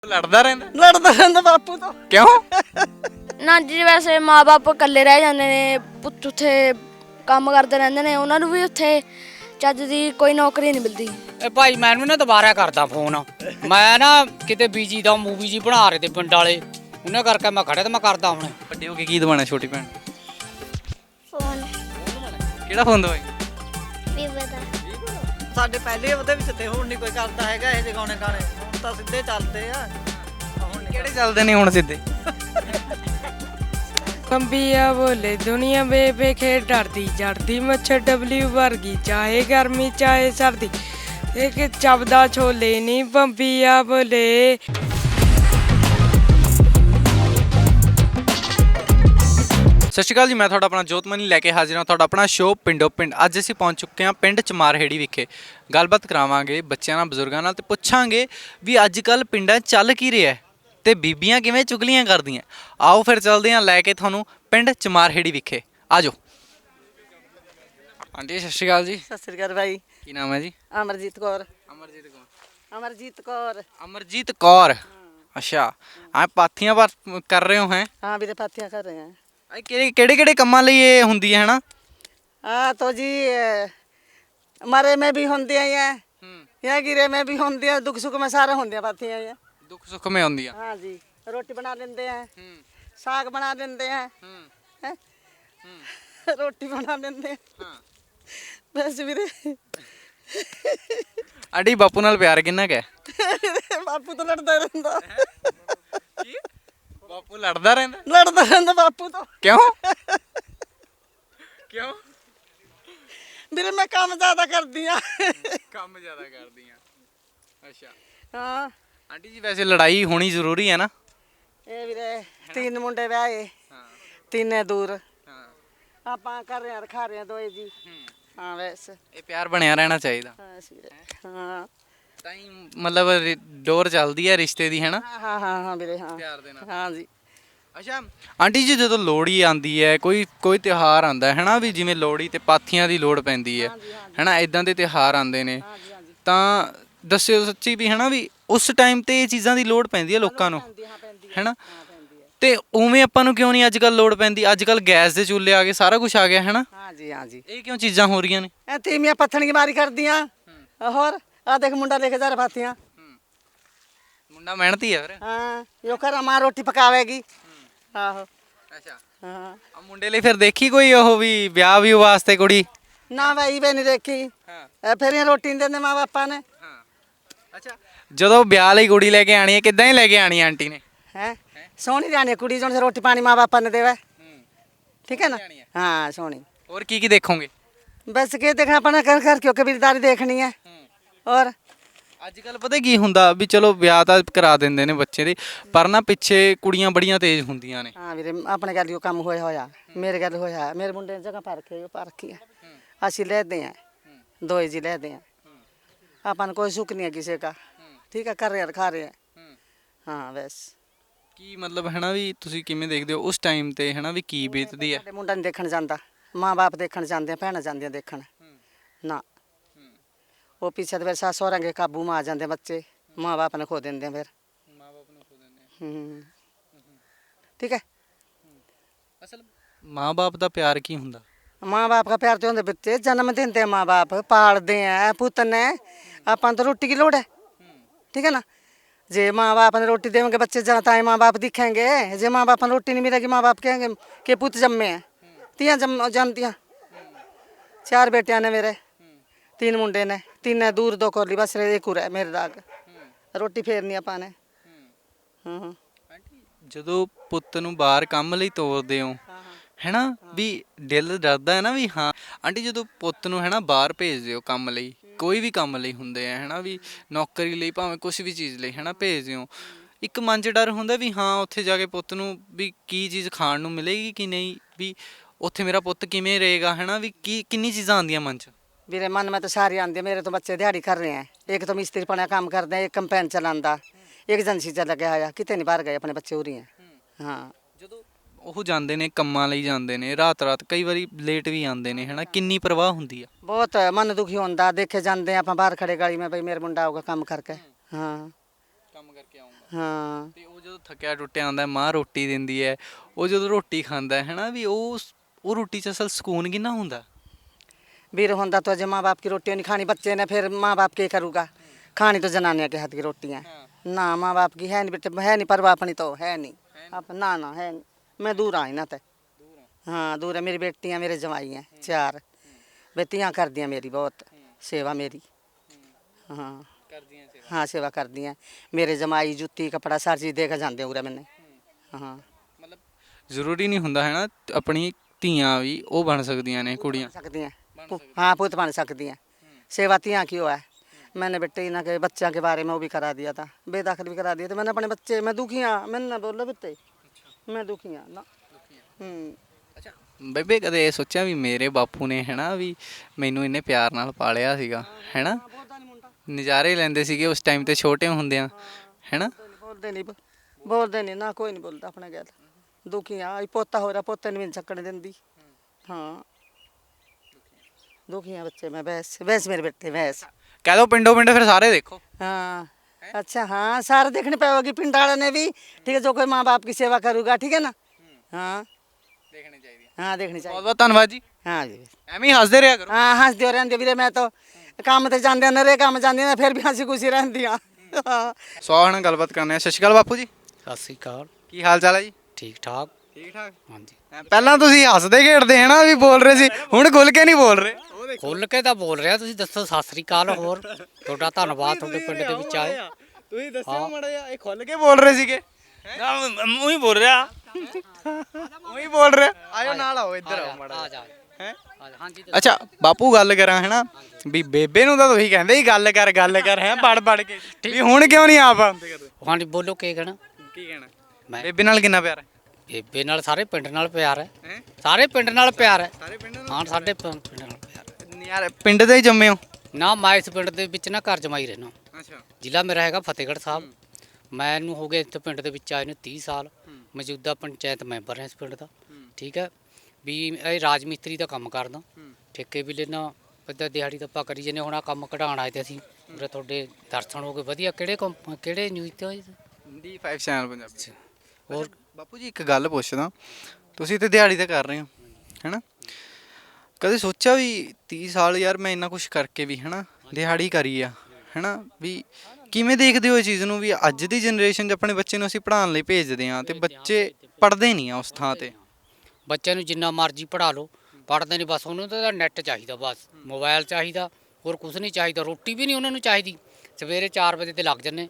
ਲੜਦਾ ਰਹਿੰਦਾ ਬਾਪੂ ਤੋਂ। ਕਿਉਂ? ਨਾ ਜੀ ਵੈਸੇ ਮਾਂ-ਬਾਪ ਇਕੱਲੇ ਰਹਿ ਜਾਂਦੇ ਨੇ, ਪੁੱਤ ਉੱਥੇ ਕੰਮ ਕਰਦੇ ਰਹਿੰਦੇ ਨੇ, ਉਹਨਾਂ ਨੂੰ ਵੀ ਉੱਥੇ ਚੱਜ ਦੀ ਕੋਈ ਨੌਕਰੀ ਨਹੀਂ ਮਿਲਦੀ। ਇਹ ਭਾਈ ਮੈਨੂੰ ਨਾ ਦੁਬਾਰਾ ਕਰਦਾ ਫੋਨ, ਮੈਂ ਨਾ ਕਿਤੇ ਬੀਜੀ ਦਾ ਮੂਵੀ ਜੀ ਬਣਾ ਰਹੇ ਤੇ ਪਿੰਡ ਵਾਲੇ, ਉਹਨਾਂ ਕਰਕੇ ਮੈਂ ਖੜਿਆ ਤੇ ਮੈਂ ਕਰਦਾ ਹੁਣ। ਵੱਡੇ ਹੋ ਕੇ ਕੀ ਦਵਾਣਾ ਛੋਟੀ ਭੈਣ? ਫੋਨ ਕਿਹੜਾ ਫੋਨ ਦਵਾਈ? ਵੀਵੋ ਦਾ। ਸਾਡੇ ਪਹਿਲੇ ਉਹਦੇ ਵਿੱਚ ਤੇ ਹੁਣ ਨਹੀਂ ਕੋਈ ਕਰਦਾ ਹੈਗਾ ਇਹ ਜਗਾਉਣੇ ਗਾਣੇ, ਹੁਣ ਤਾਂ ਸਿੱਧੇ ਚੱਲਦੇ ਆ। ਹੁਣ ਕਿਹੜੇ ਚੱਲਦੇ ਨੇ ਹੁਣ ਸਿੱਧੇ? ਕੰਬੀਆ ਬੋਲੇ ਦੁਨੀਆ ਬੇਬੇ ਖੇਡ ਡਰਦੀ ਜੜਦੀ ਮੱਛਰ ਡਬਲਿਊ ਵਰਗੀ, ਚਾਹੇ ਗਰਮੀ ਚਾਹੇ ਸਰਦੀ, ਇੱਕ ਚੱਬਦਾ ਛੋਲੇ ਨਹੀਂ ਬੰਬੀਆ ਬੋਲੇ। ਸਤਿ ਸ਼੍ਰੀ ਅਕਾਲ ਜੀ, ਮੈਂ ਤੁਹਾਡਾ ਆਪਣਾ ਜੋਤਮਨੀ ਲੈ ਕੇ ਹਾਜ਼ਰ ਹਾਂ। ਤੁਹਾਡਾ ਆਪਣਾ ਸ਼ੋਅ ਪਿੰਡੋ ਪਿੰਡ। ਅੱਜ ਅਸੀਂ ਪਹੁੰਚ ਚੁੱਕੇ ਹਾਂ ਪਿੰਡ ਚਮਾਰਹੇੜੀ ਵਿਖੇ। ਗੱਲਬਾਤ ਕਰਾਵਾਂਗੇ ਬੱਚਿਆਂ ਨਾਲ, ਬਜ਼ੁਰਗਾਂ ਨਾਲ, ਤੇ ਪੁੱਛਾਂਗੇ ਵੀ ਅੱਜ ਕੱਲ੍ਹ ਪਿੰਡਾਂ 'ਚ ਚੱਲ ਕੀ ਰਿਹਾ ਤੇ ਬੀਬੀਆਂ ਕਿਵੇਂ ਚੁਗਲੀਆਂ ਕਰਦੀਆਂ। ਆਓ ਫਿਰ ਚੱਲਦੇ ਹਾਂ ਲੈ ਕੇ ਤੁਹਾਨੂੰ ਪਿੰਡ ਚਮਾਰਹੇੜੀ ਵਿਖੇ। ਆ ਜਾਓ। ਆਂਟੀ ਸਤਿ ਸ਼੍ਰੀ ਅਕਾਲ ਜੀ। ਸਤਿ ਸ੍ਰੀ ਅਕਾਲ ਭਾਈ। ਕੀ ਨਾਮ ਹੈ ਜੀ? ਅਮਰਜੀਤ ਕੌਰ। ਅਮਰਜੀਤ ਕੌਰ। ਅਮਰਜੀਤ ਕੌਰ। ਅਮਰਜੀਤ ਕੌਰ, ਅੱਛਾ। ਆ ਪਾਥੀਆਂ ਪਰ ਕਰ ਰਹੇ ਹੋ? ਹੈ हाँ भी पाथियाँ कर रहे हैं। ਕਿਹੜੇ ਕਿਹੜੇ ਕੰਮਾਂ ਲਈ ਇਹ ਹੁੰਦੀ ਹੈ? ਹਨਾ हाँ तो जी मरे में भी होंगे हैं, यहाँ गिरे में भी होंगे, दुख सुख में सारे होंगे पाथियाँ ये। ਦੁੱਖ ਸੁੱਖ में ਹੁੰਦੀ ਆ। हाँ जी, रोटी बना लेते हैं, साग बना लेते हैं, हैं? रोटी बना लेते हैं। बस ਵੀਰੇ ਆਂਟੀ ਬਾਪੂ ਨਾਲ ਪਿਆਰ ਕਿੰਨਾ ਕੁ ਹੈ? ਬਾਪੂ ਤਾਂ ਲੜਦਾ ਰਹਿੰਦਾ। ਬਾਪੂ ਲੜਦਾ ਰਹਿੰਦਾ? ਲੜਦਾ ਰਹਿੰਦਾ ਬਾਪੂ ਤੋਂ। ਕਿਉਂ? ਕਿਉਂ? ਵੀਰੇ ਮੈਂ ਕੰਮ ਜ਼ਿਆਦਾ ਕਰਦੀ ਆ। ਕੰਮ ਜ਼ਿਆਦਾ ਕਰਦੀਆਂ। ਅੱਛਾ। ਹਾਂ ਆਂਟੀ ਜੀ ਵੈਸੇ ਲੜਾਈ ਹੋਣੀ ਜ਼ਰੂਰੀ ਹੈ ਨਾ? ਇਹ ਵੀਰੇ ਤਿੰਨ ਮੁੰਡੇ ਵਿਆਹੇ, ਹਾਂ ਤਿੰਨੇ ਦੂਰ, ਹਾਂ। ਆਪਾਂ ਕਰ ਰਹੇ ਆ, ਰਖਾ ਰਹੇ ਆ ਦੋਏ ਜੀ। ਹਾਂ ਵੈਸੇ ਇਹ ਪਿਆਰ ਬਣਿਆ ਰਹਿਣਾ ਚਾਹੀਦਾ। ਹਾਂ ਵੀਰੇ। ਹਾਂ ਤਾਂ ਹੀ ਮਤਲਬ ਡੋਰ ਚੱਲਦੀ ਹੈ ਰਿਸ਼ਤੇ ਦੀ, ਹੈ ਨਾ? ਹਾਂ ਹਾਂ ਹਾਂ ਵੀਰੇ। ਹਾਂ ਪਿਆਰ ਦੇ ਨਾਲ। ਹਾਂ ਜੀ। ਅੱਛਾ ਆਂਟੀ ਜੀ, ਜਦੋਂ ਲੋਹੜੀ ਆਉਂਦੀ ਹੈ, ਕੋਈ ਤਿਉਹਾਰ ਆਉਂਦਾ ਹੈ ਨਾ, ਵੀ ਜਿਵੇਂ ਲੋਹੜੀ ਤੇ ਪਾਥੀਆਂ ਦੀ ਲੋੜ ਪੈਂਦੀ ਹੈ, ਹੈ ਨਾ, ਇਦਾਂ ਦੇ ਤਿਉਹਾਰ ਆਉਂਦੇ ਨੇ, ਤਾਂ ਦੱਸਿਓ ਸੱਚੀ ਵੀ, ਹੈ ਨਾ, ਵੀ ਉਸ ਟਾਈਮ ਤੇ ਇਹ ਚੀਜ਼ਾਂ ਦੀ ਲੋੜ ਪੈਂਦੀ ਹੈ ਲੋਕਾਂ ਨੂੰ, ਹੈ ਨਾ? ਤੇ ਉਵੇਂ ਆਪਾਂ ਨੂੰ ਕਿਉਂ ਨਹੀਂ ਅੱਜ ਕੱਲ੍ਹ ਲੋੜ ਪੈਂਦੀ? ਅੱਜ ਕੱਲ੍ਹ ਗੈਸ ਦੇ ਚੁੱਲ੍ਹੇ ਆ ਗਏ, ਸਾਰਾ ਕੁਝ ਆ ਗਿਆ, ਹੈ ਨਾ? ਹਾਂ ਜੀ ਹਾਂ ਜੀ। ਇਹ ਕਿਉਂ ਚੀਜ਼ਾਂ ਹੋ ਰਹੀਆਂ ਨੇ? ਇਹ ਤੀਵੀਆਂ ਪੱਥਣ ਦੀ ਮਾਰੀ ਕਰਦੀਆਂ। ਹੋਰ ਆ ਦੇਖ ਮੁੰਡਾ ਲੈ ਕੇ ਜਾ ਰਿਹਾ ਪਾਥੀਆਂ। ਮੁੰਡਾ ਮਿਹਨਤੀ ਹੈ ਫਿਰ। ਹਾਂ ਯੋ ਕਰ ਮਾਂ ਰੋਟੀ ਪਕਾਵੇਗੀ। ਆਹੋ। ਅੱਛਾ। ਹਾਂ ਆ ਮੁੰਡੇ ਲਈ ਫਿਰ ਦੇਖੀ ਕੋਈ ਉਹ ਵੀ ਵਿਆਹ ਵੀ ਵਾਸਤੇ ਕੁੜੀ? ਨਾ ਭਾਈ ਵੀ ਨਹੀਂ ਦੇਖੀ। ਹਾਂ ਫਿਰ ਇਹ ਰੋਟੀ ਨਹੀਂ ਦਿੰਦੇ ਮਾਂ ਬਾਪਾਂ ਨੇ। ਹਾਂ। ਅੱਛਾ, ਜਦੋਂ ਵਿਆਹ ਲਈ ਕੁੜੀ ਲੈ ਕੇ ਆਣੀ ਹੈ, ਕਿੱਦਾਂ ਹੀ ਲੈ ਕੇ ਆਣੀ ਹੈ ਆਂਟੀ ਨੇ? ਹੈ ਸੋਹਣੀ ਜਾਣੀ ਕੁੜੀ ਜੋਂ ਰੋਟੀ ਪਾਣੀ ਮਾਂ ਬਾਪਾਂ ਨੇ ਦੇਵੇ। ਠੀਕ ਹੈ ਨਾ? ਹਾਂ ਸੋਹਣੀ। ਹੋਰ ਕੀ ਕੀ ਦੇਖੋਗੇ? बस के देखना अपना कर कर क्यों कबीरदारी देखनी है। और ਅੱਜ ਕੱਲ ਪਤਾ ਕੀ ਹੁੰਦਾ ਵੀ ਚਲੋ ਵਿਆਹ ਤਾਂ ਕਰਾ ਦਿੰਦੇ ਨੇ ਬੱਚੇ ਦੇ, ਪਰ ਨਾ ਪਿੱਛੇ ਕੁੜੀਆਂ ਬੜੀਆਂ ਤੇਜ਼ ਹੁੰਦੀਆਂ ਨੇ। हाँ वीरे अपने गल काम होया मेरे गल होया, मेरे मुंडे ने जगह पर रखी है, असी लेते हैं दो जी लेते हैं, अपन कोई सुख नहीं है किसी का। ठीक है कर रहे हैं खा रहे हैं। हाँ बस ਕੀ ਮਤਲਬ ਹੈ ਨਾ, ਵੀ ਤੁਸੀਂ ਕਿਵੇਂ ਦੇਖਦੇ ਹੋ ਉਸ ਟਾਈਮ ਤੇ, ਹੈ ਨਾ, ਵੀ ਕੀ ਬੀਤਦੀ ਹੈ? ਸਾਡੇ ਮੁੰਡਾ ਨਹੀਂ ਦੇਖਣ ਜਾਂਦਾ, ਮਾਂ ਬਾਪ ਦੇਖਣ ਜਾਂਦੇ, ਭੈਣਾਂ ਜਾਂਦੀਆਂ ਦੇਖਣ ਨਾ। ਉਹ ਪਿੱਛੇ ਤੇ ਫਿਰ ਸੱਸ ਸਹੁਰਿਆਂ ਦੇ ਕਾਬੂ ਮਾ ਆ ਜਾਂਦੇ ਬੱਚੇ, ਮਾਂ ਬਾਪ ਨੇ ਖੋ ਦਿੰਦੇ ਆ ਫਿਰ। ਮਾਂ ਬਾਪ ਨੂੰ ਖੋ ਦਿੰਦੇ ਆ। ठीक है। ਅਸਲ ਮਾਂ ਬਾਪ ਦਾ ਪਿਆਰ ਕੀ ਹੁੰਦਾ? माँ बाप का प्यार तो होंगे बच्चे जन्म देते हैं, माँ बाप पालते हैं, पुत ने अपन तो रोटी की लोड़ है। ठीक है ना? जे माँ बाप ने रोटी देंगे बच्चे जाता है, माँ बाप दिखेंगे। जे माँ बाप ने रोटी नहीं मिलेगी, माँ बाप कहेंगे कि पुत जम्मे हैं। तियाँ जमतियाँ 4 बेटियाँ ने मेरे, 3 मुंडे ने, 3 ने दूर 2 कोली, बस एक उरा है मेरे दाग। रोटी फेरनी अपन ने। ਜਦੋਂ ਪੁੱਤ ਨੂੰ ਬਾਹਰ ਕੰਮ ਲਈ ਤੋਰਦੇ ਹੋ, ਹੈ ਨਾ, ਵੀ ਦਿਲ ਡਰਦਾ ਹੈ ਨਾ ਵੀ ਹਾਂ। ਆਂਟੀ ਜਦੋਂ ਪੁੱਤ ਨੂੰ, ਹੈ ਨਾ, ਬਾਹਰ ਭੇਜਦੇ ਹੋ ਕੰਮ ਲਈ, ਕੋਈ ਵੀ ਕੰਮ ਲਈ ਹੁੰਦੇ ਆ, ਹੈ ਨਾ, ਵੀ ਨੌਕਰੀ ਲਈ ਭਾਵੇਂ ਕੁਛ ਵੀ ਚੀਜ਼ ਲਈ, ਹੈ ਨਾ, ਭੇਜਦੇ ਹੋ, ਇੱਕ ਮਨ 'ਚ ਡਰ ਹੁੰਦਾ ਵੀ ਹਾਂ ਉੱਥੇ ਜਾ ਕੇ ਪੁੱਤ ਨੂੰ ਵੀ ਕੀ ਚੀਜ਼ ਖਾਣ ਨੂੰ ਮਿਲੇਗੀ ਕਿ ਨਹੀਂ, ਵੀ ਉੱਥੇ ਮੇਰਾ ਪੁੱਤ ਕਿਵੇਂ ਰਹੇਗਾ, ਹੈ ਨਾ, ਵੀ ਕਿੰਨੀ ਚੀਜ਼ਾਂ ਆਉਂਦੀਆਂ ਮਨ 'ਚ। मेरे मन में तो सारी आती है। मेरे तो बच्चे दिहाड़ी कर रहे हैं, एक तो मिस्त्री पना काम करते हैं, एक कंपेन चलाता, एक एजेंसी च लगे आया, कितने नहीं बाहर गए अपने बच्चे उरी हैं। हाँ ਜਦੋਂ ਉਹ ਜਾਂਦੇ ਨੇ ਕੰਮਾਂ ਲਈ ਜਾਂਦੇ ਨੇ, ਰਾਤ ਰਾਤ ਕਈ ਵਾਰੀ ਲੇਟ ਵੀ ਆਉਂਦੇ ਨੇ, ਹੈ ਨਾ, ਕਿੰਨੀ ਪਰਵਾਹ ਹੁੰਦੀ ਆ? बहुत मन दुखी होता, देखे जाते हैं आप बाहर खड़े गाड़ी में, भाई मेरा मुंडा आऊगा काम करके। हाँ ਕੰਮ ਕਰਕੇ ਆਉਂਗਾ। ਹਾਂ ਤੇ ਉਹ ਜਦੋਂ ਥੱਕਿਆ ਟੁੱਟਿਆ ਆਉਂਦਾ ਮਾਂ ਰੋਟੀ ਦਿੰਦੀ ਹੈ, ਉਹ ਜਦੋਂ ਰੋਟੀ ਖਾਂਦਾ ਹੈ ਨਾ ਵੀ ਉਹ ਰੋਟੀ 'ਚ ਅਸਲ ਸਕੂਨ ਕਿੰਨਾ ਹੁੰਦਾ। वीर होता तो जो माँ बाप की रोटी नहीं खानी बच्चे ने फिर माँ बाप क्या करूँगा। खानी तो जनानिया के हाथ की रोटियाँ ना माँ बाप की है नहीं बेटे है नहीं परवाह अपनी तो है नहीं अब ना ना है नहीं। मैं दूर आई ना तो हाँ दूर है मेरी बेटियाँ मेरे जवाई हैं 4 बेटियाँ कर दियाँ मेरी बहुत सेवा मेरी हाँ हाँ सेवा कर दी हैं मेरे जमाई जुत्ती कपड़ा सारी चीज़ दे के जाते उरे मैंने हाँ ਮਤਲਬ ਜ਼ਰੂਰੀ ਨਹੀਂ ਹੁੰਦਾ ਹੈ ਨਾ ਆਪਣੀ ਧੀਆਂ ਵੀ ਉਹ ਬਣ ਸਕਦੀਆਂ ਨੇ ਕੁੜੀਆਂ। सकती हैं हाँ पुत बन सकती हैं सेवा तियाँ की है। मैंने बेटे इन्हों के बच्चों के बारे में वो भी करा दिया था बेदाखिल भी करा दिया था मैंने अपने बच्चे मैं दुखी हाँ मैंने ना बोलो बेटे मैं दुखी हाँ ना ਅੱਛਾ ਬੇਬੇ ਕਦੇ ਇਹ ਸੋਚਿਆ ਵੀ ਮੇਰੇ ਬਾਪੂ ਨੇ ਹੈ ਨਾ ਵੀ ਮੈਨੂੰ ਇੰਨੇ ਪਿਆਰ ਨਾਲ ਪਾਲਿਆ ਸੀਗਾ ਹੈ ਨਾ, ਨਜ਼ਾਰੇ ਲੈਂਦੇ ਸੀਗੇ ਉਸ ਟਾਈਮ ਤੇ ਛੋਟੇ ਹੁੰਦਿਆਂ ਹੈ ਨਾ। बोलते नहीं ना कोई नहीं बोलता अपने गैल दुखी हाँ पोता हो रहा पोते नहीं छकने देंदी हाँ दुखी हाँ बच्चे मैं भैंस भैंस मेरे बेटे भैंस ਕਹਿ ਦੋ ਪਿੰਡੋਂ ਪਿੰਡ ਫਿਰ ਸਾਰੇ ਦੇਖੋ। हाँ अच्छा हाँ सारे देखने पाओगी पिंड वाले ने भी ठीक है जो कोई माँ बाप की सेवा करूँगा ठीक है ना हाँ ਦੇਖਣੀ ਚਾਹੀਦੀ ਹੈ। हाँ देखनी ਬਹੁਤ चाहिए ਬਹੁਤ ਧੰਨਵਾਦ ਜੀ, हाँ जी ਐਵੇਂ ਹੀ ਹੱਸਦੇ ਰਿਹਾ ਕਰੋ। हाँ हंस दियो रहते वीरे मैं तो काम ते जाते नरे काम जाते ना फिर भी हंसी खुशी रहती हाँ ਸੋ ਹੁਣ ਗੱਲਬਾਤ ਕਰਨੇ ਆ। ਸਤਿ ਸ਼੍ਰੀ ਅਕਾਲ ਬਾਪੂ ਜੀ, ਸਤਿ ਸ੍ਰੀ ਅਕਾਲ। ਕੀ ਹਾਲ ਚਾਲ ਹੈ ਜੀ? ਠੀਕ ਠਾਕ। ਠੀਕ ਠਾਕ। ਹਾਂਜੀ ਪਹਿਲਾਂ ਤੁਸੀਂ ਹੱਸਦੇ ਖੇਡਦੇ ਹੈ ਨਾ ਵੀ ਬੋਲ ਰਹੇ ਸੀ, ਹੁਣ ਖੁੱਲ ਕੇ ਨਹੀਂ ਬੋਲ ਰਹੇ। ਖੁੱਲ ਕੇ ਤਾਂ ਬੋਲ ਰਿਹਾ, ਤੁਸੀਂ ਦੱਸੋ। ਸਤਿ ਸ੍ਰੀ ਅਕਾਲ। ਹੋਰ ਤੁਹਾਡਾ ਧੰਨਵਾਦ ਤੁਹਾਡੇ ਪਿੰਡ ਦੇ ਵਿੱਚ ਆਏ। ਤੁਸੀਂ ਦੱਸਿਓ ਮਾੜਾ ਜਿਹਾ, ਇਹ ਖੁੱਲ ਕੇ ਬੋਲ ਰਹੇ ਸੀਗੇ। ਉਹੀ ਬੋਲ ਰਿਹਾ ਉਹੀ ਬੋਲ ਰਿਹਾ। ਆਇਓ ਨਾਲ ਆਓ, ਇੱਧਰ ਆਓ ਮਾੜਾ ਆ ਜਿਹਾ। ਜਾ ਹੈਂ? ਹਾਂਜੀ ਅੱਛਾ ਬਾਪੂ ਗੱਲ ਕਰਾਂ ਹੈ ਨਾ ਵੀ ਬੇਬੇ ਨੂੰ ਤਾਂ ਤੁਸੀਂ ਕਹਿੰਦੇ ਹੀ ਗੱਲ ਕਰ ਹੈ ਪੜ ਕੇ, ਵੀ ਹੁਣ ਕਿਉਂ ਨਹੀਂ ਆਪ ਆਉਂਦੇ ਕਦੇ? ਹਾਂਜੀ ਬੋਲੋ ਕੀ ਕਹਿਣਾ। ਕੀ ਕਹਿਣਾ? ਮੈਂ ਬੇਬੇ ਨਾਲ ਕਿੰਨਾ ਪਿਆਰ ਹੈ? ਬੇਬੇ ਨਾਲ ਸਾਰੇ ਪਿੰਡ ਨਾਲ ਪਿਆਰ ਹੈ। ਹੈਂ? ਸਾਰੇ ਪਿੰਡ ਨਾਲ ਪਿਆਰ ਹੈ। ਸਾਰੇ ਪਿੰਡ ਨਾਲ? ਹਾਂ ਸਾਡੇ ਪਿੰਡ ਨਾਲ ਪਿਆਰ ਹੈ। ਯਾਰ ਪਿੰਡ ਦੇ ਹੀ ਜੰਮੇ ਹੋ? ਨਾ ਮੈਂ ਇਸ ਪਿੰਡ ਦੇ ਵਿੱਚ ਨਾ ਘਰ ਜਮਾਈ ਰਹਿਣਾ। ਅੱਛਾ ਜ਼ਿਲ੍ਹਾ ਮੇਰਾ ਹੈਗਾ ਫਤਿਹਗੜ੍ਹ ਸਾਹਿਬ। ਮੈਨੂੰ ਹੋ ਗਏ ਇੱਥੇ ਪਿੰਡ ਦੇ ਵਿੱਚ ਆਏ ਨੂੰ 30 ਸਾਲ। ਮੌਜੂਦਾ ਪੰਚਾਇਤ ਮੈਂਬਰ ਹਾਂ ਇਸ ਪਿੰਡ ਦਾ। ਠੀਕ ਹੈ ਵੀ ਇਹ ਰਾਜ ਮਿਸਤਰੀ ਦਾ ਕੰਮ ਕਰਦਾ, ਠੇਕੇ ਵੀ ਲੈਣਾ, ਪਤਾ ਦਿਹਾੜੀ ਦਾ ਆਪਾਂ ਕਰੀ ਜਾਂਦੇ। ਹੁਣ ਆਹ ਕੰਮ ਕਢਾਉਣ ਆਏ ਤੇ ਅਸੀਂ ਉਰੇ ਤੁਹਾਡੇ ਦਰਸ਼ਨ ਹੋ ਗਏ ਵਧੀਆ। ਕਿਹੜੇ ਨਿਊਜ਼ ਤੇ ਹੋਏ? D5 channel Punjabi. ਹੋਰ ਬਾਪੂ ਜੀ ਇੱਕ ਗੱਲ ਪੁੱਛਦਾ, ਤੁਸੀਂ ਤੇ ਦਿਹਾੜੀ ਤਾਂ ਕਰ ਰਹੇ ਹੋ ਹੈਨਾ, ਕਦੇ ਸੋਚਿਆ ਵੀ 30 ਸਾਲ ਯਾਰ ਮੈਂ ਇੰਨਾ ਕੁਝ ਕਰਕੇ ਵੀ ਹੈਨਾ ਦਿਹਾੜੀ ਕਰੀ ਆ ਹੈਨਾ, ਵੀ ਕਿਵੇਂ ਦੇਖਦੇ ਹੋ ਇਹ ਚੀਜ਼ ਨੂੰ ਵੀ ਅੱਜ ਦੀ ਜਨਰੇਸ਼ਨ 'ਚ ਆਪਣੇ ਬੱਚੇ ਨੂੰ ਅਸੀਂ ਪੜ੍ਹਾਉਣ ਲਈ ਭੇਜਦੇ ਹਾਂ ਤੇ ਬੱਚੇ ਪੜ੍ਹਦੇ ਨਹੀਂ ਆ ਉਸ ਥਾਂ ਤੇ। ਬੱਚਿਆਂ ਨੂੰ ਜਿੰਨਾ ਮਰਜ਼ੀ ਪੜ੍ਹਾ ਲਓ, ਪੜ੍ਹਦੇ ਨਹੀਂ। ਬਸ ਉਹਨੂੰ ਤਾਂ ਨੈੱਟ ਚਾਹੀਦਾ, ਬਸ ਮੋਬਾਈਲ ਚਾਹੀਦਾ, ਹੋਰ ਕੁਝ ਨਹੀਂ ਚਾਹੀਦਾ। ਰੋਟੀ ਵੀ ਨਹੀਂ ਉਹਨਾਂ ਨੂੰ ਚਾਹੀਦੀ। ਸਵੇਰੇ 4 ਵਜੇ ਤੇ ਲੱਗ ਜੰਨੇ,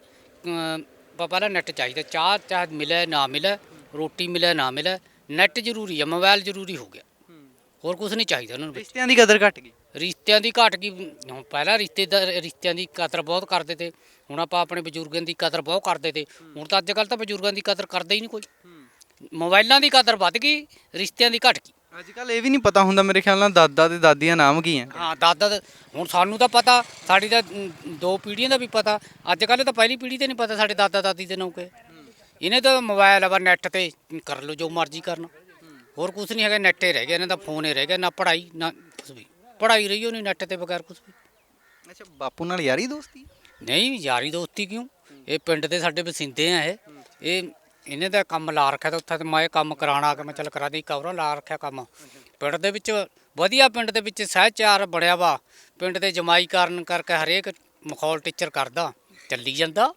ਪਹਿਲਾਂ ਨੈੱਟ ਚਾਹੀਦਾ। ਚਾਹ ਮਿਲੇ ਨਾ ਮਿਲੇ, ਰੋਟੀ ਮਿਲੇ ਨਾ ਮਿਲੇ, ਨੈੱਟ ਜ਼ਰੂਰੀ ਆ, ਮੋਬਾਈਲ ਜ਼ਰੂਰੀ ਹੋ ਗਿਆ। ਹੋਰ ਕੁਝ ਨਹੀਂ ਚਾਹੀਦਾ ਉਹਨਾਂ ਨੂੰ। ਰਿਸ਼ਤਿਆਂ ਦੀ ਕਦਰ ਘਟ ਗਈ। ਰਿਸ਼ਤਿਆਂ ਦੀ ਘਟ ਗਈ। ਹੁਣ ਪਹਿਲਾਂ ਰਿਸ਼ਤਿਆਂ ਦੀ ਕਦਰ ਬਹੁਤ ਕਰਦੇ ਤੇ, ਹੁਣ ਆਪਾਂ ਆਪਣੇ ਬਜ਼ੁਰਗਾਂ ਦੀ ਕਦਰ ਬਹੁਤ ਕਰਦੇ ਤੇ। ਹੁਣ ਤਾਂ ਅੱਜ ਕੱਲ੍ਹ ਤਾਂ ਬਜ਼ੁਰਗਾਂ ਦੀ ਕਦਰ ਕਰਦਾ ਹੀ ਨਹੀਂ ਕੋਈ। ਮੋਬਾਈਲਾਂ ਦੀ ਕਦਰ ਵੱਧ ਗਈ, ਰਿਸ਼ਤਿਆਂ ਦੀ ਘਟ ਗਈ। ਅੱਜ ਕੱਲ੍ਹ ਇਹ ਵੀ ਨਹੀਂ ਪਤਾ ਹੁੰਦਾ ਮੇਰੇ ਖਿਆਲ ਨਾਲ ਦਾਦਾ ਤੇ ਦਾਦੀ ਦਾ ਨਾਮ ਕੀ ਹੈ। ਹਾਂ ਦਾਦਾ ਹੁਣ ਸਾਨੂੰ ਤਾਂ ਪਤਾ, ਸਾਡੀ ਤਾਂ 2 ਪੀੜ੍ਹੀਆਂ ਦਾ ਵੀ ਪਤਾ। ਅੱਜ ਕੱਲ੍ਹ ਤਾਂ ਪਹਿਲੀ ਪੀੜ੍ਹੀ ਤੇ ਨਹੀਂ ਪਤਾ ਸਾਡੇ ਦਾਦਾ ਦਾਦੀ ਦੇ ਨਾਮ ਕੇ। ਇਹਨੇ ਤਾਂ ਮੋਬਾਈਲ ਆ, ਨੈੱਟ ਤੇ ਕਰ ਲਓ ਜੋ ਮਰਜ਼ੀ ਕਰਨਾ। ਹੋਰ ਕੁਝ ਨਹੀਂ ਹੈਗਾ, ਨੈੱਟ ਹੀ ਰਹਿ ਗਿਆ ਇਹਨਾਂ ਦਾ, ਫੋਨ ਹੀ ਰਹਿ ਗਿਆ। ਨਾ ਪੜ੍ਹਾਈ ਨਾ ਕੁਝ ਵੀ, ਪੜ੍ਹਾਈ ਰਹੀ ਉਹ ਨਹੀਂ ਨੈੱਟ ਤੇ ਬਗੈਰ ਕੁਝ ਵੀ। ਅੱਛਾ ਬਾਪੂ ਨਾਲ ਯਾਰੀ ਦੋਸਤੀ? ਨਹੀਂ ਯਾਰੀ ਦੋਸਤੀ ਕਿਉਂ, ਇਹ ਪਿੰਡ ਦੇ ਸਾਡੇ ਵਸਿੰਦੇ ਆ। ਇਹ ਇਹਨੇ ਤਾਂ ਕੰਮ ਲਾ ਰੱਖਿਆ ਤਾਂ ਉੱਥੇ, ਤੇ ਮੈਂ ਇਹ ਕੰਮ ਕਰਾਉਣ ਆ ਕੇ ਮੈਂ ਚੱਲ ਕਰਾ ਦੀ ਕਵਰਾਂ ਲਾ ਰੱਖਿਆ ਕੰਮ। ਪਿੰਡ ਦੇ ਵਿੱਚ ਵਧੀਆ, ਪਿੰਡ ਦੇ ਵਿੱਚ ਸਹਿਚਾਰ ਬਣਿਆ ਵਾ। ਪਿੰਡ ਦੇ ਜਮਾਈ ਕਾਰਨ ਕਰਕੇ ਹਰੇਕ ਮਖੌਲ ਟੀਚਰ ਕਰਦਾ, ਚੱਲੀ ਜਾਂਦਾ।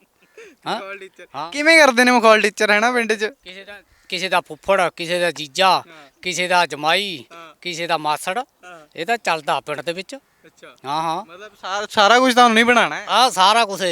ਹਾਂ ਕਿਵੇਂ ਕਰਦੇ ਨੇ ਮਖੌਲ ਟੀਚਰ ਹੈ ਨਾ ਪਿੰਡ 'ਚ? ਕਿਸੇ ਦਾ ਫੁੱਫੜ, ਕਿਸੇ ਦਾ ਜੀਜਾ, ਕਿਸੇ ਦਾ ਜਮਾਈ, ਕਿਸੇ ਦਾ ਮਾਸੜ, ਇਹ ਤਾਂ ਚੱਲਦਾ ਪਿੰਡ ਦੇ ਵਿੱਚ। ਅੱਛਾ ਹਾਂ ਮਤਲਬ ਸਾਰਾ ਕੁਝ ਤੁਹਾਨੂੰ ਨਹੀਂ ਬਣਾਉਣਾ ਹੈ? ਆਹ ਸਾਰਾ ਕੁਛ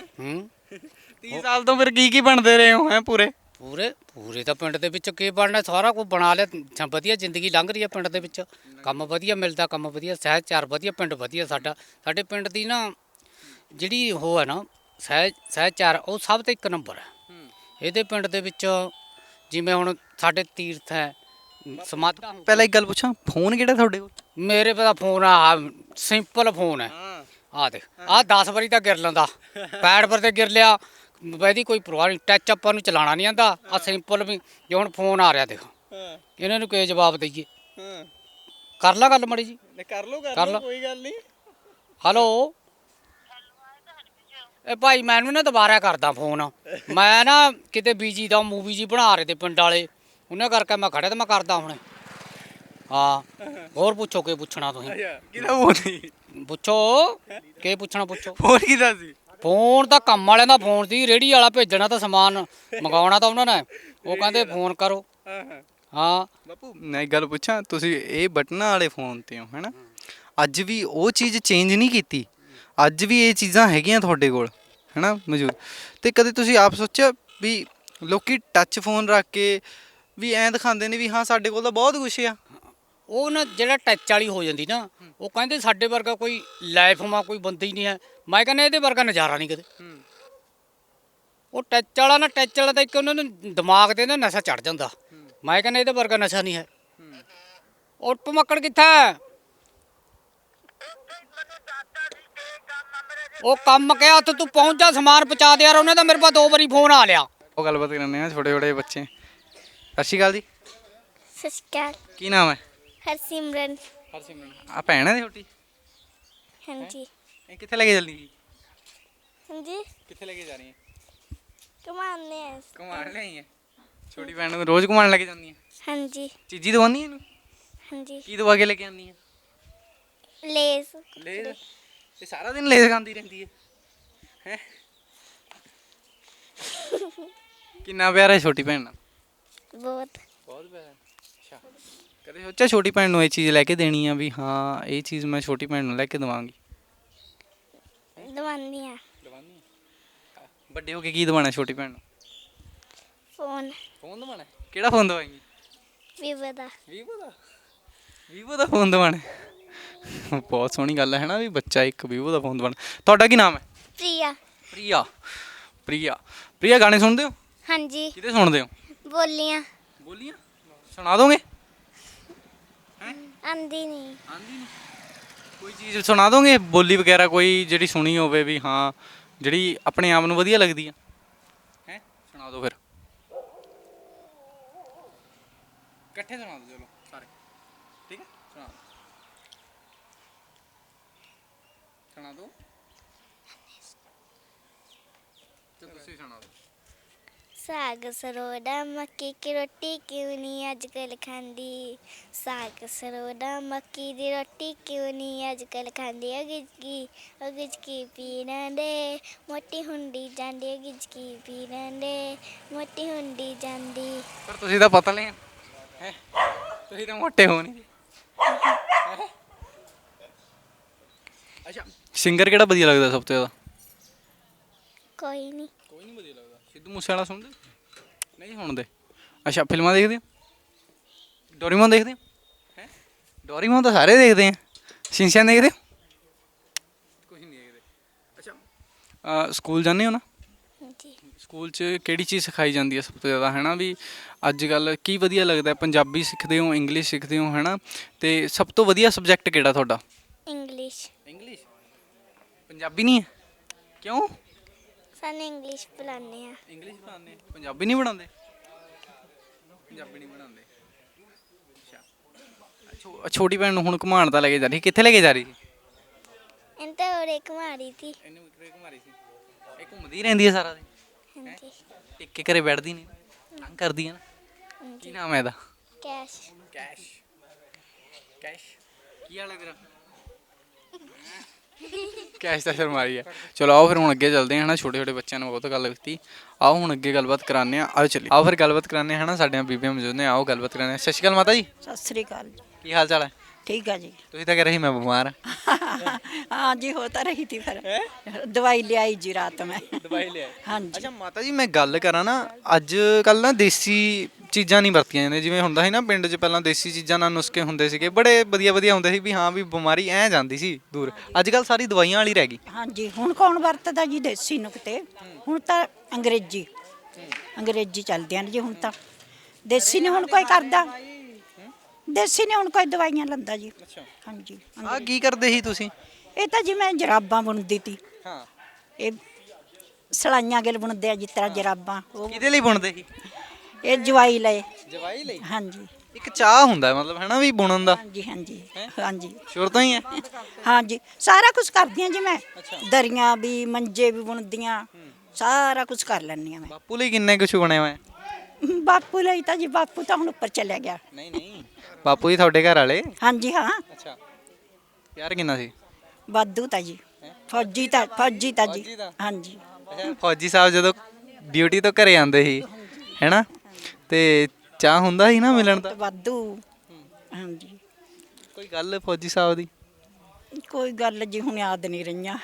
30 ਸਾਲ ਤੋਂ ਫਿਰ ਕੀ ਬਣਦੇ ਰਹੇ ਹੋ ਹੈ ਪੂਰੇ ਤਾਂ ਪਿੰਡ ਦੇ ਵਿੱਚ ਕੀ ਬਣਨਾ, ਸਾਰਾ ਕੁਝ ਬਣਾ ਲਿਆ। ਵਧੀਆ ਜ਼ਿੰਦਗੀ ਲੰਘ ਰਹੀ ਹੈ ਪਿੰਡ ਦੇ ਵਿੱਚ, ਕੰਮ ਵਧੀਆ ਮਿਲਦਾ, ਕੰਮ ਵਧੀਆ, ਸਹਿਚਾਰ ਵਧੀਆ, ਪਿੰਡ ਵਧੀਆ ਸਾਡਾ। ਸਾਡੇ ਪਿੰਡ ਦੀ ਨਾ ਜਿਹੜੀ ਉਹ ਹੈ ਨਾ ਸਹਿਚਾਰ, ਉਹ ਸਭ ਤੋਂ 1 ਨੰਬਰ ਹੈ। ਇਹਦੇ ਪਿੰਡ ਦੇ ਵਿੱਚ ਜਿਵੇਂ ਹੁਣ ਸਾਡੇ ਤੀਰਥ ਹੈ, ਸਮਾਧਾਂ। ਪਹਿਲਾਂ ਇੱਕ ਗੱਲ ਪੁੱਛਾਂ, ਫੋਨ ਕਿਹੜਾ ਤੁਹਾਡੇ ਕੋਲ? ਮੇਰੇ ਪਤਾ ਫੋਨ ਆ ਸਿੰਪਲ ਫੋਨ ਹੈ। ਆਹ ਦੇਖ, ਆਹ 10 ਵਾਰੀ ਤਾਂ ਗਿਰ ਲੈਂਦਾ, ਪੈਡ ਪਰ ਤੇ ਗਿਰ ਲਿਆ, ਇਹਦੀ ਕੋਈ ਪਰਵਾਹ ਨਹੀਂ। ਟੱਚ ਆਪਾਂ ਨੂੰ ਚਲਾਉਣਾ ਨਹੀਂ ਆਉਂਦਾ। ਆਹ ਸਿੰਪਲ ਵੀ ਜੇ ਹੁਣ ਫੋਨ ਆ ਰਿਹਾ ਦੇਖ, ਇਹਨਾਂ ਨੂੰ ਕੀ ਜਵਾਬ ਦਈਏ? ਕਰ ਲਾ ਗੱਲ ਮਾੜੀ ਜੀ। ਕਰ ਲਓ ਕਰ ਲਓ, ਕੋਈ ਗੱਲ ਨਹੀਂ। ਹੈਲੋ ਇਹ ਭਾਈ ਮੈਨੂੰ ਨਾ ਦੁਬਾਰਾ ਕਰਦਾ ਫੋਨ। ਮੈਂ ਨਾ ਕਿਤੇ ਬੀਜੀ ਦਾ ਮੂਵੀ ਜੀ ਬਣਾ ਰਹੇ ਤੇ ਪਿੰਡ ਵਾਲੇ, ਉਹਨਾਂ ਕਰਕੇ ਮੈਂ ਖੜਿਆ ਤੇ ਮੈਂ ਕਰਦਾ ਹੁਣ। ਹਾਂ ਹੋਰ ਪੁੱਛੋ ਕੀ ਪੁੱਛਣਾ ਤੁਸੀਂ? ਕਿਹਦਾ ਫੋਨ ਸੀ? ਪੁੱਛੋ ਕੀ ਪੁੱਛਣਾ ਪੁੱਛੋ। ਫੋਨ ਕਿਹਦਾ ਸੀ? ਫੋਨ ਤਾਂ ਕੰਮ ਵਾਲਿਆਂ ਦਾ ਫੋਨ ਸੀ, ਰੇਹੜੀ ਵਾਲਾ ਭੇਜਣਾ ਤਾਂ ਸਮਾਨ ਮੰਗਾਉਣਾ ਤਾਂ ਉਹਨਾਂ ਨੇ, ਉਹ ਕਹਿੰਦੇ ਫੋਨ ਕਰੋ। ਹਾਂ ਬਾਪੂ ਮੈਂ ਇੱਕ ਗੱਲ ਪੁੱਛਾਂ, ਤੁਸੀਂ ਇਹ ਬਟਨਾਂ ਵਾਲੇ ਫੋਨ ਤੇ ਹੋ ਹੈਨਾ, ਅੱਜ ਵੀ ਉਹ ਚੀਜ਼ ਚੇਂਜ ਨਹੀਂ ਕੀਤੀ? ਅੱਜ ਵੀ ਇਹ ਚੀਜ਼ਾਂ ਹੈਗੀਆਂ ਤੁਹਾਡੇ ਕੋਲ ਹੈਨਾ ਮੌਜੂਦ? ਤੇ ਕਦੇ ਤੁਸੀਂ ਆਪ ਸੋਚਿਆ ਵੀ ਲੋਕੀ ਟੱਚ ਫੋਨ ਰੱਖ ਕੇ ਵੀ ਐਂ ਦਿਖਾਉਂਦੇ ਨੇ ਵੀ ਹਾਂ ਸਾਡੇ ਕੋਲ ਤਾਂ ਬਹੁਤ ਕੁਛ ਆ? ਉਹ ਨਾ ਜਿਹੜਾ ਟੱਚ ਵਾਲੀ ਹੋ ਜਾਂਦੀ ਨਾ, ਉਹ ਕਹਿੰਦੇ ਸਾਡੇ ਵਰਗਾ ਕੋਈ ਲਾਈਫ ਮਾ ਕੋਈ ਬੰਦਾ ਹੀ ਨਹੀਂ ਹੈ। ਮੈਂ ਕਹਿੰਦਾ ਇਹਦੇ ਵਰਗਾ ਨਜ਼ਾਰਾ ਨਹੀਂ ਕਿਤੇ। ਉਹ ਟੱਚ ਵਾਲਾ ਨਾ, ਟੱਚ ਵਾਲਾ ਤਾਂ ਇੱਕ ਉਹਨਾਂ ਨੂੰ ਦਿਮਾਗ ਤੇ ਨਾ ਨਸ਼ਾ ਚੜ ਜਾਂਦਾ। ਮੈਂ ਕਹਿੰਦਾ ਇਹਦੇ ਵਰਗਾ ਨਸ਼ਾ ਨਹੀਂ ਹੈ। ਉਹ ਭਮੱਕੜ ਕਿੱਥਾ? ਉਹ ਕੰਮ ਕਿਹਾ ਉੱਥੇ ਤੂੰ ਪਹੁੰਚ ਜਾ, ਸਮਾਨ ਪਹੁੰਚਾ ਦੇ ਯਾਰ। ਉਹਨੇ ਤਾਂ ਮੇਰੇ ਪਾਸ 2 ਵਾਰੀ ਫੋਨ ਆ ਲਿਆ। ਉਹ ਗੱਲਬਾਤ ਕਰਨੇ ਆ ਛੋਟੇ ਛੋਟੇ ਬੱਚੇ। ਸਤਿ ਸ਼੍ਰੀ ਅਕਾਲ ਜੀ। ਸਤਿ ਸ਼੍ਰੀ ਅਕਾਲ। ਕੀ ਨਾਮ ਹੈ? ਹਰਸਿਮਰਨ। ਆ ਭੈਣ ਹੈ ਛੋਟੀ? ਹਾਂਜੀ। ਇਹ ਕਿੱਥੇ ਲੈ ਕੇ ਚੱਲੀ ਜੀ? ਹਾਂਜੀ ਕਿੱਥੇ ਲੈ ਕੇ ਜਾ ਰਹੀ ਹੈ? ਕਮਾਉਂਦੇ ਆ। ਘੁਮਾਣ ਲਈ ਹੈ? ਛੋਟੀ ਭੈਣ ਨੂੰ ਰੋਜ਼ ਘੁਮਾਣ ਲੈ ਕੇ ਜਾਂਦੀ ਹੈ? ਹਾਂਜੀ ਚੀਜ਼ੀ ਦਵਾਉਂਦੀ ਹੈ ਇਹਨੂੰ? ਹਾਂਜੀ। ਕੀ ਦਵਾ ਕੇ ਲੈ ਕੇ ਆਉਂਦੀ ਹੈ? ਲੇਸ। ਲੇਜ਼? ਇਹ ਸਾਰਾ ਦਿਨ ਲੇਜ਼ ਖਾਂਦੀ ਰਹਿੰਦੀ ਹੈ ਹੈ? ਕਿੰਨਾ ਪਿਆਰ ਹੈ ਛੋਟੀ ਭੈਣ ਨਾਲ? ਬਹੁਤ। ਬਹੁਤ ਪਿਆਰ। ਅੱਛਾ, ਕਦੇ ਸੋਚਿਆ ਛੋਟੀ ਭੈਣ ਨੂੰ ਇਹ ਚੀਜ਼ ਲੈ ਕੇ ਦੇਣੀ ਆ ਵੀ ਹਾਂ ਇਹ ਚੀਜ਼ ਮੈਂ ਛੋਟੀ ਭੈਣ ਨੂੰ ਲੈ ਕੇ ਦਵਾਂਗੀ? ਦਵਾਉਂਦੀ ਆ। ਵੱਡੇ ਹੋ ਕੇ ਕੀ ਦਵਾਣਾ ਛੋਟੀ ਭੈਣ ਨੂੰ? ਫੋਨ। ਫੋਨ ਦਵਾਣਾ? ਕਿਹੜਾ ਫੋਨ ਦਵਾਏਂਗੀ? ਵੀਵੋ ਦਾ। ਵੀਵੋ ਦਾ? ਵੀਵੋ ਦਾ ਫੋਨ ਦਵਾਣਾ? ਬਹੁਤ ਸੋਹਣੀ ਗੱਲ ਹੈ ਨਾ ਵੀ ਬੱਚਾ ਇੱਕ ਵੀਵੋ ਦਾ ਫੋਨ ਦਵਾਣਾ। ਤੁਹਾਡਾ ਕੀ ਨਾਮ ਹੈ? ਪ੍ਰਿਆ। ਪ੍ਰਿਆ। ਪ੍ਰਿਆ ਪ੍ਰਿਆ ਗਾਣੇ ਸੁਣਦੇ ਹੋ? ਹਾਂਜੀ। ਕਿਹਦੇ ਸੁਣਦੇ ਹੋ? ਬੋਲੀਆਂ। ਬੋਲੀਆਂ ਸੁਣਾ ਦੋਗੇ? ਆਂਦੀ ਨਹੀਂ। ਆਂਦੀ ਨਹੀਂ? ਕੋਈ ਚੀਜ਼ ਸੁਣਾ ਦੋਗੇ ਬੋਲੀ ਵਗੈਰਾ ਕੋਈ ਜਿਹੜੀ ਸੁਣੀ ਹੋਵੇ ਵੀ ਹਾਂ ਜਿਹੜੀ ਆਪਣੇ ਆਪ ਨੂੰ ਵਧੀਆ ਲੱਗਦੀ ਆ? ਹੈ ਸੁਣਾ ਦਿਓ ਫਿਰ। ਇਕੱਠੇ ਸੁਣਾ ਦਿਓ ਚਲੋ ਸਾਰੇ। ਠੀਕ ਹੈ ਸੁਣਾ ਦਿਓ। ਸੁਣਾ ਦਿਓ ਤੇ ਤੁਸੀਂ ਸੁਣਾ ਦਿਓ। ਸਾਗ ਸਰੋੜਾ ਮੱਕੀ ਕੀ ਰੋਟੀ ਕਿਉਂ ਨਹੀਂ ਅੱਜ ਕੱਲ੍ਹ ਖਾਂਦੀ। ਸਾਗ ਸਰੋੜਾ ਮੱਕੀ ਦੀ ਰੋਟੀ ਕਿਉਂ ਨਹੀਂ ਅੱਜ ਕੱਲ੍ਹ ਖਾਂਦੀ। ਗਿਜਕੀ ਪੀਣ ਦੇ ਮੋਟੀ ਹੁੰਦੀ ਜਾਂਦੀ। ਗਿਜਕੀ ਪੀਣ ਦੇ ਮੋਟੀ ਹੁੰਦੀ ਜਾਂਦੀ। ਪਰ ਤੁਸੀਂ ਤਾਂ ਪਤਲੇ ਆ ਹੈ, ਤੁਸੀਂ ਤਾਂ ਮੋਟੇ ਹੋ ਨਹੀਂ। ਅੱਛਾ ਸਿੰਗਰ ਕਿਹੜਾ ਵਧੀਆ ਲੱਗਦਾ ਸਭ ਤੋਂ ਜ਼ਿਆਦਾ? ਕੋਈ ਨਹੀਂ। ਕੋਈ ਨਹੀਂ ਵਧੀਆ ਲੱਗਦਾ। ਸਿੱਧੂ ਮੂਸੇਵਾਲਾ ਸੁਣਦੇ? ਨਹੀਂ ਸੁਣਦੇ? ਅੱਛਾ ਫਿਲਮਾਂ ਦੇਖਦੇ ਹੋ? ਡੋਰੀਮੋਨ ਦੇਖਦੇ ਹੋ? ਹੈ ਡੋਰੀਮੋਨ ਤਾਂ ਸਾਰੇ ਦੇਖਦੇ ਆ। ਸ਼ਿਨਚੈਨ ਦੇਖਦੇ ਹੋ? ਕੁਝ ਨਹੀਂ ਦੇਖਦੇ। ਅੱਛਾ ਸਕੂਲ ਜਾਂਦੇ ਹੋ ਨਾ? ਹਾਂਜੀ। ਸਕੂਲ 'ਚ ਕਿਹੜੀ ਚੀਜ਼ ਸਿਖਾਈ ਜਾਂਦੀ ਹੈ ਸਭ ਤੋਂ ਜ਼ਿਆਦਾ ਹੈ ਨਾ ਵੀ ਅੱਜ ਕੱਲ੍ਹ ਕੀ ਵਧੀਆ ਲੱਗਦਾ? ਪੰਜਾਬੀ ਸਿੱਖਦੇ ਹੋ, ਇੰਗਲਿਸ਼ ਸਿੱਖਦੇ ਹੋ ਹੈ ਨਾ, ਅਤੇ ਸਭ ਤੋਂ ਵਧੀਆ ਸਬਜੈਕਟ ਕਿਹੜਾ ਤੁਹਾਡਾ? ਇੰਗਲਿਸ਼। ਇੰਗਲਿਸ਼? ਪੰਜਾਬੀ ਨਹੀਂ ਹੈ? ਕਿਉਂ? ਸਾਨੂੰ ਇੰਗਲਿਸ਼ ਪੜ੍ਹਾਉਂਦੇ ਆ। ਇੰਗਲਿਸ਼ ਪੜ੍ਹਾਉਂਦੇ, ਪੰਜਾਬੀ ਨਹੀਂ ਪੜ੍ਹਾਉਂਦੇ? ਪੰਜਾਬੀ ਨਹੀਂ ਪੜ੍ਹਾਉਂਦੇ। ਅੱਛਾ ਛੋਟੀ ਭੈਣ ਨੂੰ ਹੁਣ ਘੁਮਾਉਣ ਤਾਂ ਲੈ ਕੇ ਜਾ ਰਹੀ, ਕਿੱਥੇ ਲੈ ਕੇ ਜਾ ਰਹੀ ਸੀ? ਇਹਨੂੰ ਤਾਂ ਉਰੇ ਘੁਮਾ ਰਹੀ ਸੀ। ਇਹਨੂੰ ਘੁਮਾ ਰਹੀ ਸੀ? ਇਹ ਘੁੰਮਦੀ ਰਹਿੰਦੀ ਹੈ ਸਾਰਾ ਦਿਨ? ਹਾਂਜੀ। ਟਿੱਕੇ ਘਰੇ ਬੈਠਦੀ ਨਹੀਂ, ਤੰਗ ਕਰਦੀ ਹੈ ਨਾ? ਕੀ ਹਾਂਜੀ। ਨਾਮ ਹੈ ਇਹਦਾ? ਕੈਸ਼। ਕੈਸ਼। ਕੈਸ਼ ਕੀ ਹਾਲ ਹੈ ਤੇਰਾ? ਕੈਸ਼ ਤਾਂ ਸ਼ਰਮ ਆ ਰਹੀ ਹੈ। ਚਲੋ ਆਓ ਫਿਰ ਹੁਣ ਅੱਗੇ ਚੱਲਦੇ ਹਾਂ ਹੈ ਨਾ। ਛੋਟੇ ਛੋਟੇ ਬੱਚਿਆਂ ਨੂੰ ਬਹੁਤ ਗੱਲ ਕੀਤੀ। ਆਓ ਹੁਣ ਅੱਗੇ ਗੱਲਬਾਤ ਕਰਾਉਂਦੇ ਹਾਂ। ਆਓ ਚੱਲੀਏ। ਆਓ ਫਿਰ ਗੱਲਬਾਤ ਕਰਾਉਂਦੇ ਹਾਂ ਹੈ ਨਾ। ਸਾਡੀਆਂ ਬੀਬੀਆਂ ਮੌਜੂਦ ਨੇ, ਆਓ ਗੱਲਬਾਤ ਕਰਾਉਂਦੇ ਹਾਂ। ਸਤਿ ਸ਼੍ਰੀ ਅਕਾਲ ਮਾਤਾ ਜੀ। ਸਤਿ ਸ੍ਰੀ ਅਕਾਲ ਜੀ। ਕੀ ਹਾਲ ਚਾਲ ਹੈ? ਠੀਕ ਆ ਜੀ। ਤੁਸੀਂ ਤਾਂ ਕਹਿ ਰਹੇ ਸੀ ਮੈਂ ਬਿਮਾਰ ਹਾਂ। हाँ जी होता रही थी फिर दवाई ले आई जी रात में। ਦਵਾਈ ਲਿਆ? हाँ जी। ਅੱਛਾ ਮਾਤਾ ਜੀ ਮੈਂ ਗੱਲ ਕਰਾਂ ਨਾ, ਅੱਜ ਕੱਲ੍ਹ ਨਾ ਦੇਸੀ ਚੀਜ਼ਾਂ ਨਹੀਂ ਵਰਤੀਆਂ ਜਾਂਦੀਆਂ। ਜਿਵੇਂ ਹੁੰਦਾ ਸੀ ਨਾ ਪਿੰਡ 'ਚ ਪਹਿਲਾਂ ਦੇਸੀ ਚੀਜ਼ਾਂ ਨਾਲ ਨੁਸਖੇ ਹੁੰਦੇ ਸੀਗੇ, ਬੜੇ ਵਧੀਆ ਵਧੀਆ ਹੁੰਦੇ ਸੀ ਵੀ ਹਾਂ ਵੀ ਬਿਮਾਰੀ ਐਂ ਜਾਂਦੀ ਸੀ ਦੂਰ। ਅੱਜ ਕੱਲ੍ਹ ਸਾਰੀ ਦਵਾਈਆਂ ਵਾਲੀ ਰਹਿ ਗਈ। हाँ जी हुण कौन वरतदा जी देसी नुकते। हुण तां अंग्रेजी चलदे हैं जी। हुण तां देसी नहीं हुण कोई करदा। देसी नहीं हुण कोई दवाइयां लंदा जी। हाँ जी। ਆਹ ਕੀ ਕਰਦੇ ਸੀ ਤੁਸੀਂ? ਇਹ ਤਾਂ ਜੀ ਮੈਂ ਜਰਾਬਾਂ ਬੁਣਦੀ ਤੀ। ਹਾਂ ਇਹ ਸਲਾਈਆਂ ਗਿਲ ਬੁਣਦੇ ਆ ਜਿਸ ਤਰ੍ਹਾਂ ਜਰਾਬਾਂ। ਉਹ ਕਿਹਦੇ ਲਈ ਬੁਣਦੇ ਸੀ? ਇਹ ਜਵਾਈ ਲਏ। ਜਵਾਈ ਲਈ? ਹਾਂਜੀ। ਇੱਕ ਚਾਹ ਹੁੰਦਾ ਹੈ ਮਤਲਬ ਹੈਨਾ ਵੀ ਬੁਣਨ ਦਾ ਹਾਂਜੀ ਹਾਂਜੀ ਹਾਂਜੀ ਸ਼ੁਰੂ ਤੋਂ ਹੀ ਹੈ। ਹਾਂਜੀ ਸਾਰਾ ਕੁਝ ਕਰਦੀ ਹਾਂ ਜੀ ਮੈਂ ਦਰੀਆਂ ਵੀ ਮੰਜੇ ਵੀ ਬੁਣਦੀਆਂ ਸਾਰਾ ਕੁਝ ਕਰ ਲੈਂਦੀ ਹਾਂ ਮੈਂ ਬਾਪੂ ਲਈ ਕਿੰਨੇ ਕੁਛ ਬਣੇ ਹੋਏ? ਬਾਪੂ ਲਈ ਤਾਂ ਜੀ ਬਾਪੂ ਤਾਂ ਹੁਣ ਉੱਪਰ ਚਲਿਆ ਗਿਆ ਨਹੀਂ ਨਹੀਂ ਬਾਪੂ ਜੀ ਤੁਹਾਡੇ ਘਰ ਵਾਲੇ? ਹਾਂਜੀ ਹਾਂ ਅੱਛਾ ਪਿਆਰ ਕਿੰਨਾ ਸੀ? ਵਾਧੂ ਤਾਂ ਜੀ ਫੌਜੀ ਤਾਂ ਜੀ ਫੌਜੀ ਤਾਂ? ਹਾਂਜੀ ਅੱਛਾ ਫੌਜੀ ਸਾਹਿਬ ਜਦੋਂ ਡਿਊਟੀ ਤੋਂ ਘਰੇ ਆਉਂਦੇ ਸੀ ਹੈਨਾ ਤੇ ਚਾਹ ਹੁੰਦਾ ਸੀ ਨਾ ਮਿਲਣ ਦਾ? ਵਾਧੂ ਹਾਂਜੀ ਕੋਈ ਗੱਲ ਫੌਜੀ ਸਾਹਿਬ ਦੀ? ਕੋਈ ਗੱਲ ਜੀ ਹੁਣ ਯਾਦ ਨਹੀਂ ਰਹੀਆਂ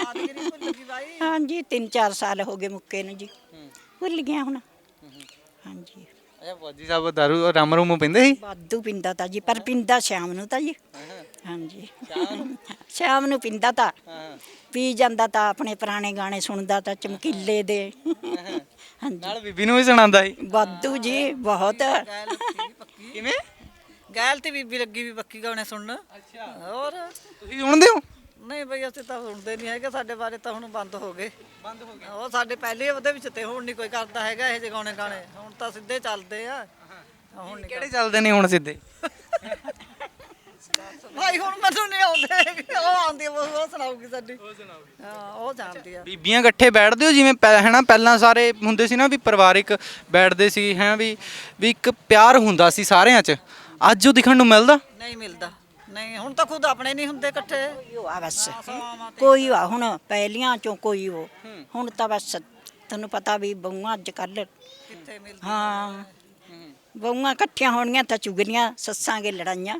ਹਾਂਜੀ 3-4 ਸਾਲ ਹੋ ਗਏ ਮੁੱਕੇ ਨੂੰ ਜੀ ਭੁੱਲ ਗਿਆ ਹੁਣ ਹਾਂਜੀ ਅੱਛਾ ਫੌਜੀ ਸਾਹਿਬ ਦਾਰੂ ਰਮ ਰੂਮ ਪੀਂਦੇ ਸੀ? ਵਾਧੂ ਪਿੰਦਾ ਤਾਂ ਜੀ ਪਰ ਪਿੰਦਾ ਸ਼ਾਮ ਨੂੰ ਤਾਂ ਜੀ ਹਾਂਜੀ ਸ਼ਾਮ ਨੂੰ ਪਿੰਦਾ ਤਾਂ ਪੀ ਜਾਂਦਾ ਤਾਂ ਆਪਣੇ ਪੁਰਾਣੇ ਗਾਣੇ ਸੁਣਦਾ ਤਾਂ ਚਮਕੀਲੇ ਦੇ ਹਾਂਜੀ ਨਾਲ ਬੀਬੀ ਨੂੰ ਵੀ ਸੁਣਾਉਂਦਾ ਸੀ? ਵਾਧੂ ਜੀ ਬਹੁਤ ਕਿਵੇਂ? ਗੈਲ ਤੇ ਬੀਬੀ ਲੱਗੀ ਵੀ ਪੱਕੀ ਗਾਣੇ ਸੁਣਨ। ਹੋਰ ਤੁਸੀਂ ਸੁਣਦੇ ਹੋ? ਨਹੀਂ ਬਈ ਅਸੀਂ ਤਾਂ ਸੁਣਦੇ ਨਹੀਂ ਹੈਗੇ, ਸਾਡੇ ਬਾਰੇ ਤਾਂ ਹੁਣ ਬੰਦ ਹੋ ਗਏ। ਉਹ ਸਾਡੇ ਪਹਿਲੇ ਉਹਦੇ ਵਿੱਚ ਤੇ ਹੁਣ ਨਹੀਂ ਕੋਈ ਕਰਦਾ ਹੈਗਾ ਇਹ ਜਿਹੇ ਗਾਣੇ ਹੁਣ ਤਾਂ ਸਿੱਧੇ ਚੱਲਦੇ ਆ। ਹੁਣ ਨਹੀਂ ਕਿਹੜੇ ਚੱਲਦੇ ਨੇ ਹੁਣ ਸਿੱਧੇ? ਭਾਈ ਹੁਣ ਮੈਨੂੰ ਨਹੀਂ ਆਉਂਦੇ ਹੈਗੇ, ਉਹ ਆਉਂਦੀ ਆ, ਉਹ ਸੁਣਾਉਗੀ ਸਾਡੀ। ਹਾਂ ਉਹ ਜਾਣਦੀ ਆ। ਬੀਬੀਆਂ ਇਕੱਠੇ ਬੈਠਦੇ ਹੋ ਜਿਵੇਂ ਹੈਨਾ ਪਹਿਲਾਂ ਸਾਰੇ ਹੁੰਦੇ ਸੀ ਨਾ ਵੀ ਪਰਿਵਾਰਿਕ ਬੈਠਦੇ ਸੀ ਹੈ ਵੀ ਇੱਕ ਪਿਆਰ ਹੁੰਦਾ ਸੀ ਸਾਰਿਆਂ 'ਚ, ਅੱਜ ਉਹ ਦਿਖਣ ਨੂੰ ਮਿਲਦਾ ਨਹੀਂ ਮਿਲਦਾ ਨਹੀਂ, ਹੁਣ ਤਾਂ ਖੁਦ ਆਪਣੇ ਨਹੀਂ ਹੁੰਦੇ ਇਕੱਠੇ। ਆ ਬਸ ਕੋਈ ਆ ਹੁਣ ਪਹਿਲੀਆਂ ਚੋਂ ਕੋਈ ਉਹ ਹੁਣ ਤਾਂ ਬਸ ਤੁਹਾਨੂੰ ਪਤਾ ਵੀ ਬਹੂਆਂ ਅੱਜ ਕੱਲ ਕਿੱਥੇ ਮਿਲਦੇ। ਹਾਂ ਬਹੂਆਂ ਇਕੱਠੀਆਂ ਹੋਣੀਆਂ ਤਾਂ ਚੁਗਲੀਆਂ ਸੱਸਾਂ ਗੇ ਲੜਾਈਆਂ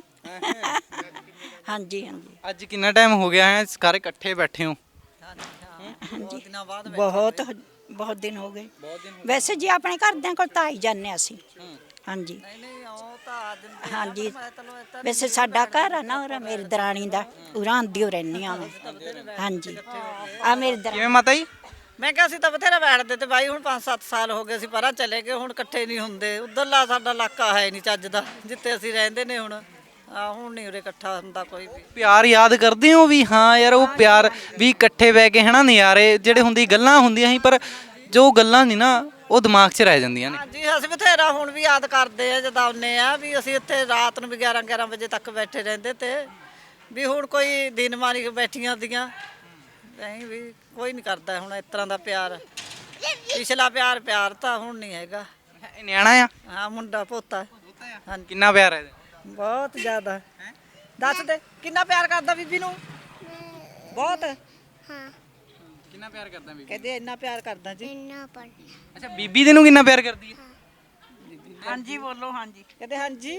ਹਾਂਜੀ ਹਾਂਜੀ ਅੱਜ ਕਿੰਨਾ ਟਾਈਮ ਹੋ ਗਿਆ ਹੈ ਸਾਰੇ ਇਕੱਠੇ ਬੈਠੇ ਹੋ? ਬਹੁਤ ਦਿਨਾਂ ਬਾਅਦ ਬਹੁਤ ਦਿਨ ਹੋ ਗਏ ਵੈਸੇ ਜੀ ਆਪਣੇ ਘਰਦਿਆਂ ਕੋਲ ਤਾਂ ਆਈ ਜਾਂਦੇ ਹਾਂ ਅਸੀਂ ਹਾਂਜੀ ਨਹੀਂ ਉਹ ਤਾਂ ਆ ਦਿੰਦੇ ਹਾਂਜੀ ਵੈਸੇ ਸਾਡਾ ਘਰ ਆ ਨਾ ਉਹ ਮੇਰੀ ਦਰਾਣੀ ਦਾ ਉਰਾਂ ਆਂਦੀ ਰਹਿੰਦੀ ਆ ਹਾਂਜੀ ਆ ਮੇਰੀ ਦਰਾਣੀ ਕਿਵੇਂ ਮਾਤਾ ਜੀ? ਮੈਂ ਕਿਹਾ ਅਸੀਂ ਤਾਂ ਬਥੇਰਾ ਬੈਠਦੇ ਤੇ ਬਾਈ ਹੁਣ 5-7 ਸਾਲ ਹੋ ਗਏ ਅਸੀਂ ਪਰਾਂ ਚਲੇ ਗਏ, ਹੁਣ ਇਕੱਠੇ ਨਹੀਂ ਹੁੰਦੇ। ਉਧਰਲਾ ਸਾਡਾ ਇਲਾਕਾ ਹੈ ਨਹੀਂ ਚੱਜ ਦਾ ਜਿੱਥੇ ਅਸੀਂ ਰਹਿੰਦੇ ਨੇ ਹੁਣ ਹੁਣ ਨਹੀਂ ਉਰੇ ਇਕੱਠਾ ਹੁੰਦਾ ਕੋਈ ਵੀ। ਪਿਆਰ ਯਾਦ ਕਰਦੇ ਹੋ ਵੀ ਹਾਂ ਯਾਰ ਉਹ ਪਿਆਰ ਵੀ ਇਕੱਠੇ ਬਹਿ ਕੇ ਹੈਨਾ ਨਜ਼ਾਰੇ ਜਿਹੜੇ ਹੁੰਦੀ ਗੱਲਾਂ ਹੁੰਦੀਆਂ ਸੀ ਪਰ ਜੋ ਗੱਲਾਂ ਨਹੀਂ ਨਾ ਉਹ ਦਿਮਾਗ 'ਚ ਰਹਿ ਜਾਂਦੀਆਂ ਨੇ। ਹਾਂਜੀ ਅਸੀਂ ਬਥੇਰਾ ਹੁਣ ਵੀ ਯਾਦ ਕਰਦੇ ਆ ਜਦੋਂ ਆਉਂਦੇ ਆ ਵੀ ਅਸੀਂ ਇੱਥੇ ਰਾਤ ਨੂੰ ਵੀ 11-11 ਵਜੇ ਤੱਕ ਬੈਠੇ ਰਹਿੰਦੇ ਤੇ ਵੀ ਹੁਣ ਕੋਈ ਦਿਨ ਮਾਰੀ ਬੈਠੀਆਂ ਦੀਆਂ ਨਹੀਂ ਵੀ ਕੋਈ ਨਹੀਂ ਕਰਦਾ ਹੁਣ ਇਸ ਤਰ੍ਹਾਂ ਦਾ ਪਿਆਰ। ਪਿਛਲਾ ਪਿਆਰ ਤਾਂ ਹੁਣ ਨਹੀਂ ਹੈਗਾ। ਇਹ ਨਿਆਣਾ ਆ? ਹਾਂ ਮੁੰਡਾ ਪੋਤਾ। ਹਾਂਜੀ ਕਿੰਨਾ ਪਿਆਰ ਹੈ ਇਹਦਾ? ਬਹੁਤ ਜ਼ਿਆਦਾ। ਦੱਸ ਦੇ ਕਿੰਨਾ ਪਿਆਰ ਕਰਦਾ ਬੀਬੀ ਨੂੰ? ਬਹੁਤ। ਹਾਂ ਕਿੰਨਾ ਪਿਆਰ ਕਰਦਾ ਬੀਬੀ? ਕਹਿੰਦੇ ਇੰਨਾ ਪਿਆਰ ਕਰਦਾ ਜੀ। ਇੰਨਾ ਪੜ ਅੱਛਾ ਬੀਬੀ ਤੈਨੂੰ ਕਿੰਨਾ ਪਿਆਰ ਕਰਦੀ ਹੈ? ਹਾਂਜੀ ਬੋਲੋ ਹਾਂਜੀ। ਕਹਿੰਦੇ ਹਾਂਜੀ